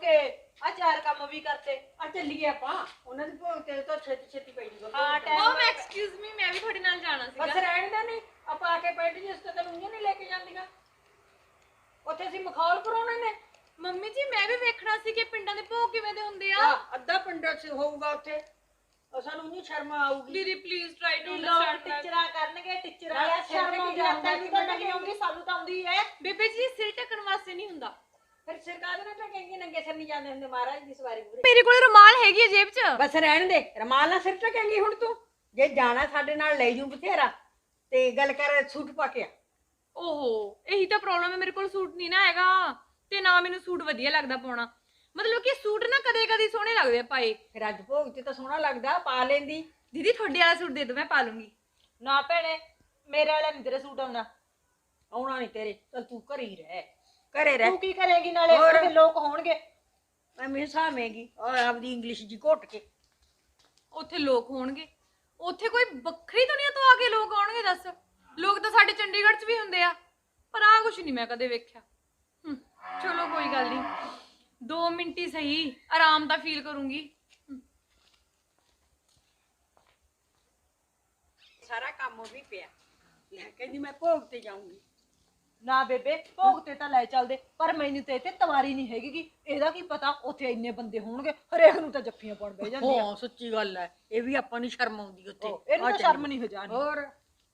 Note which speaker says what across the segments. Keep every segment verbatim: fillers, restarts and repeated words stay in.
Speaker 1: ਤੇ ਆ ਚਾਰ ਕੰਮ ਵੀ ਕਰਤੇ।
Speaker 2: ਆ ਚੱਲੀਏ ਆਪਾਂ ਉਹਨਾਂ ਦੇ ਭੋਗ ਤੇ ਤਾਂ ਛੇਤੀ ਛੇਤੀ ਪਈ ਜੂਗਾ।
Speaker 1: ਹਾਂ ਟਾਈਮ
Speaker 3: ਉਹ ਮੈਂ ਐਕਸਕਿਊਜ਼ ਮੀ ਮੈਂ ਵੀ ਤੁਹਾਡੇ ਨਾਲ ਜਾਣਾ
Speaker 2: ਬਸ
Speaker 3: ਸੀਗਾ।
Speaker 2: ਰਹਿਣ ਦੇ ਨਹੀਂ ਆਪਾਂ ਆ ਕੇ ਪੈਂਟ ਜਿਸ ਤੇ ਤੈਨੂੰ ਨਹੀਂ ਲੈ ਕੇ ਜਾਂਦੀਆਂ ਉੱਥੇ ਅਸੀਂ ਮਖੌਲ ਕਰਾਉਣੇ ਨੇ।
Speaker 3: ਮੰਮੀ ਜੀ ਮੈਂ ਵੀ ਵੇਖਣਾ ਸੀ ਕਿ ਪਿੰਡਾਂ ਦੇ ਭੋਗ ਕਿਵੇਂ ਦੇ ਹੁੰਦੇ ਆ।
Speaker 2: ਆ ਅੱਧਾ ਪਿੰਡ ਚ ਹੋਊਗਾ ਉੱਥੇ ਉਹ ਸਾਨੂੰ ਨਹੀਂ ਸ਼ਰਮ ਆਊਗੀ।
Speaker 3: ਦੀਦੀ ਪਲੀਜ਼ ਟਰਾਈ ਟੂ
Speaker 1: ਲੋਕ
Speaker 3: ਅੰਡਰਸਟੈਂਡ।
Speaker 1: ਟੀਚਰਾਂ ਕਰਨਗੇ ਟੀਚਰਾਂ
Speaker 2: ਨਾਲੇ
Speaker 1: ਸ਼ਰਮ
Speaker 2: ਸਿਰ
Speaker 1: ਆਉਂਦੀ
Speaker 2: ਤੇ
Speaker 1: ਆ
Speaker 2: ਕੀ
Speaker 1: ਤੈਨੂੰ ਤਾਂ ਨਹੀਂ ਆਉਂਦੀ ਸਾਨੂੰ ਤਾਂ ਆਉਂਦੀ ਹੈ।
Speaker 3: ਬੇਬੇ ਜੀ ਸਿਰ ਢੱਕਣ ਵਾਸਤੇ ਨਹੀਂ ਹੁੰਦਾ।
Speaker 2: ਫਿਰ ਸਰਕਾਰ ਨੇ ਤਾਂ ਕਹਿੰਦੀ ਨੰਗੇ ਸਿਰ ਨਹੀਂ ਜਾਂਦੇ ਹੁੰਦੇ ਮਹਾਰਾਜ ਦੀ ਸਵਾਰੀ ਪੂਰੀ।
Speaker 3: ਮੇਰੇ ਕੋਲ ਰੁਮਾਲ ਹੈਗੀ ਹੈ ਜੇਬ 'ਚ।
Speaker 2: ਬਸ ਰਹਿਣ ਦੇ ਰਮਾਲ ਨਾਲ ਸਿਰ ਟਕੇਂਗੀ ਹੁਣ ਤੂੰ ਜੇ ਜਾਣਾ ਸਾਡੇ ਨਾਲ ਲੈ ਜੂ ਬਥੇਰਾ ਤੇ ਗੱਲ ਕਰ ਸੂਟ ਪਾ ਕੇ ਆ।
Speaker 3: ਓਹੋ ਇਹੀ ਤਾਂ ਪ੍ਰੋਬਲਮ ਹੈ ਮੇਰੇ ਕੋਲ ਸੂਟ ਨਹੀਂ ਨਾ ਹੈਗਾ ਤੇ ਨਾ ਮੈਨੂੰ ਸੂਟ ਵਧੀਆ ਲੱਗਦਾ ਪਾਉਣਾ। ਮਤਲਬ ਕਿ ਸੂਟ ਨਾ ਕਦੇ ਕਦੇ ਸੋਹਣੇ ਲੱਗਦੇ ਆ ਪਾਏ।
Speaker 2: ਫਿਰ ਅੱਜ ਭੋਗ ਤੇ ਤਾਂ ਸੋਹਣਾ ਲੱਗਦਾ ਪਾ ਲੈਂਦੀ।
Speaker 3: ਦੀਦੀ ਤੁਹਾਡੇ ਵਾਲਾ ਸੂਟ ਦੇ ਦਿਓ ਮੈਂ ਪਾ ਲੂੰਗੀ।
Speaker 1: ਨਾ ਭੈਣੇ ਮੇਰੇ ਵਾਲਾ ਨਹੀਂ ਤੇਰੇ ਸੂਟ ਆਉਂਦਾ।
Speaker 2: ਆਉਣਾ ਨਹੀਂ ਤੇਰੇ ਚੱਲ ਤੂੰ ਘਰੇ ਹੀ ਰਹਿ ਘਰੇ ਰਹਿ।
Speaker 1: ਤੂੰ ਕੀ ਕਰੇਂਗੀ ਨਾਲੇ
Speaker 2: ਹੋਰ?
Speaker 1: ਉਹਦੇ ਲੋਕ ਹੋਣਗੇ।
Speaker 2: ਮੈਂ ਮਿਸਾਵੇਂਗੀ ਔਰ ਆਪਦੀ ਇੰਗਲਿਸ਼ ਜੀ ਘੁੱਟ ਕੇ।
Speaker 3: ਉੱਥੇ ਲੋਕ ਹੋਣਗੇ ਉੱਥੇ ਕੋਈ ਵੱਖਰੀ ਦੁਨੀਆ ਤੋਂ ਆ ਕੇ ਲੋਕ ਆਉਣਗੇ ਦੱਸ। ਲੋਕ ਤਾਂ ਸਾਡੇ ਚੰਡੀਗੜ੍ਹ 'ਚ ਵੀ ਹੁੰਦੇ ਆ ਪਰ ਆਹ ਕੁਛ ਨਹੀਂ ਮੈਂ ਕਦੇ ਵੇਖਿਆ। ਹਮ, ਚਲੋ ਕੋਈ ਗੱਲ ਨਹੀਂ ਦੋ ਮਿੰਟ ਹੀ ਸਹੀ ਆਰਾਮ ਦਾ ਫੀਲ ਕਰੂੰਗੀ।
Speaker 2: ਸਾਰਾ ਕੰਮ ਵੀ ਪਿਆ ਲੈ ਕਹਿੰਦੀ ਮੈਂ ਭੋਗ ਤੇ ਜਾਊਂਗੀ।
Speaker 1: ਨਾ ਬੇਬੇ ਭੋਗ ਤੇ ਤਾਂ ਲੈ ਚੱਲਦੇ ਪਰ ਮੈਨੂੰ ਤੇ ਇੱਥੇ ਤਵਾਰੀ ਨਹੀਂ ਹੈਗੀ। ਇਹਦਾ ਕੀ ਪਤਾ ਉੱਥੇ ਇੰਨੇ ਬੰਦੇ ਹੋਣਗੇ ਹਰੇਕ ਨੂੰ ਤਾਂ ਜੱਫੀਆਂ ਪਾਉਣ ਬਹਿ ਜਾਂਦੀ ਆ।
Speaker 2: ਹਾਂ ਸੱਚੀ ਗੱਲ ਹੈ ਇਹ ਵੀ ਆਪਾਂ ਨੂੰ ਸ਼ਰਮ ਆਉਂਦੀ ਉੱਥੇ।
Speaker 1: ਇਹਨੂੰ ਤਾਂ ਸ਼ਰਮ ਨਹੀਂ ਹੋ ਜਾਣੀ।
Speaker 2: ਹੋਰ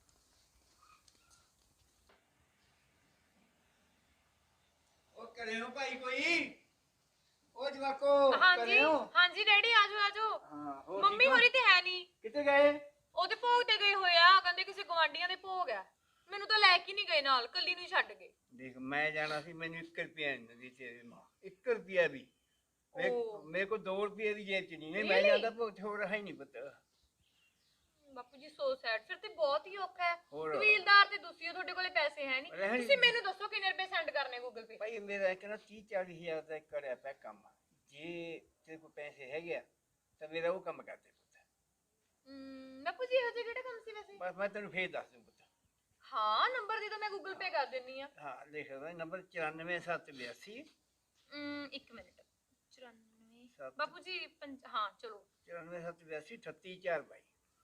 Speaker 4: ਉਹ ਕਰਿਓ ਭਾਈ ਕੋਈ ਉਹ ਜਵਾਕੋ
Speaker 3: ਹਾਂਜੀ
Speaker 4: ਕਰਿਓ।
Speaker 3: ਹਾਂਜੀ ਡੈਡੀ ਆਜੋ ਆਜੋ।
Speaker 4: ਹਾਂ ਹੋਰ
Speaker 3: ਮੰਮੀ
Speaker 4: ਠੀਕ ਹੋ?
Speaker 3: ਹੋਰੀ ਤੇ ਹੈ ਨਹੀਂ।
Speaker 4: ਕਿੱਥੇ ਗਏ?
Speaker 3: ਉਹਦੇ ਭੋਗ ਤੇ ਗਏ ਹੋਏ ਆ ਕਹਿੰਦੇ ਕਿਸੇ ਗਵਾਂਢੀਆਂ ਦੇ ਭੋਗ ਆ। ਮੈਨੂੰ ਤਾਂ ਲੈ ਕੇ ਨਹੀਂ ਗਏ ਨਾਲ ਕੱਲੀ ਨੂੰ ਹੀ ਛੱਡ ਗਏ।
Speaker 4: ਦੇਖ ਮੈਂ ਜਾਣਾ ਸੀ ਮੈਨੂੰ ਇੱਕ ਰੁਪਿਆ ਨਹੀਂ ਦਿੰਦੀ ਤੇਰੀ ਮਾਂ ਇੱਕ ਰੁਪਿਆ ਵੀ। ਮੈਂ-
Speaker 3: ਓ।
Speaker 4: ਮੇਰੇ ਕੋਲ ਦੋ ਰੁਪਏ ਦੀ ਜੇਬ ਚ ਨਹੀਂ ਹੈ ਮੈਂ ਜਾਂਦਾ ਭੋਗ ਹੋ ਰਹਾ ਹੀ ਨਹੀਂ ਪਤਾ।
Speaker 3: ਬਾਪੂ ਜੀ ਸੋ ਸੈਡ ਫਿਰ ਤੇ ਬਹੁਤ ਹੀ ਔਖਾ ਹੈ।
Speaker 4: ਹੋਰ।
Speaker 3: ਕਬੀਲਦਾਰ ਤੇ ਤੁਸੀਂ ਹੋ ਤੁਹਾਡੇ ਕੋਲੇ ਪੈਸੇ ਹੈ ਨਹੀਂ।
Speaker 4: ਰਹਿਣ-
Speaker 3: ਤੁਸੀਂ ਮੈਨੂੰ ਦੱਸੋ ਕਿੰਨੇ ਰੁਪਏ ਸੈਂਡ ਕਰਨੇ ਗੂਗਲ ਪੇ।
Speaker 4: ਭਾਈ ਮੇਰਾ ਕਹਿੰਦਾ ਤੀਹ ਚਾਲੀ ਹਜ਼ਾਰ ਦਾ ਕਰਿਆ ਪਿਆ ਕੰਮ ਜੇ ਤੇਰੇ ਕੋਲ ਪੈਸੇ ਹੈਗੇ ਆ ਤਾਂ ਮੇਰਾ ਉਹ ਕੰਮ ਕਰ ਦੇ ਪੁੱਤ।
Speaker 3: ਹਮ ਬਾਪੂ ਜੀ ਇਹੋ ਜਿਹਾ ਕਿਹੜਾ ਕੰਮ ਸੀ ਵੈਸੇ।
Speaker 4: ਬਸ ਮੈਂ ਤੈਨੂੰ ਫੇਰ ਦੱਸ ਦੂੰ ਪੁੱਤ।
Speaker 3: ਹਾਂ ਨੰਬਰ ਦੇ ਦੋ ਮੈਂ ਗੂਗਲ ਪੇ ਕਰ ਦਿੰਨੀ ਆ।
Speaker 4: ਹਾਂ ਲਿਖ ਲੈ ਨੰਬਰ ਚੁਰਾਨਵੇਂ ਸੱਤ ਬਿਆਸੀ
Speaker 3: ਹਮ ਇੱਕ ਮਿੰਟ ਚੁਰਾਨਵੇਂ
Speaker 4: ਸੱਤ।
Speaker 3: ਬਾਪੂ ਜੀ ਪੰਜ- ਹਾਂ ਚਲੋ
Speaker 4: ਚੁਰਾਨਵੇਂ ਸੱਤ ਬਿਆਸੀ ਅਠੱਤੀ ਚਾਰ ਬਾਈ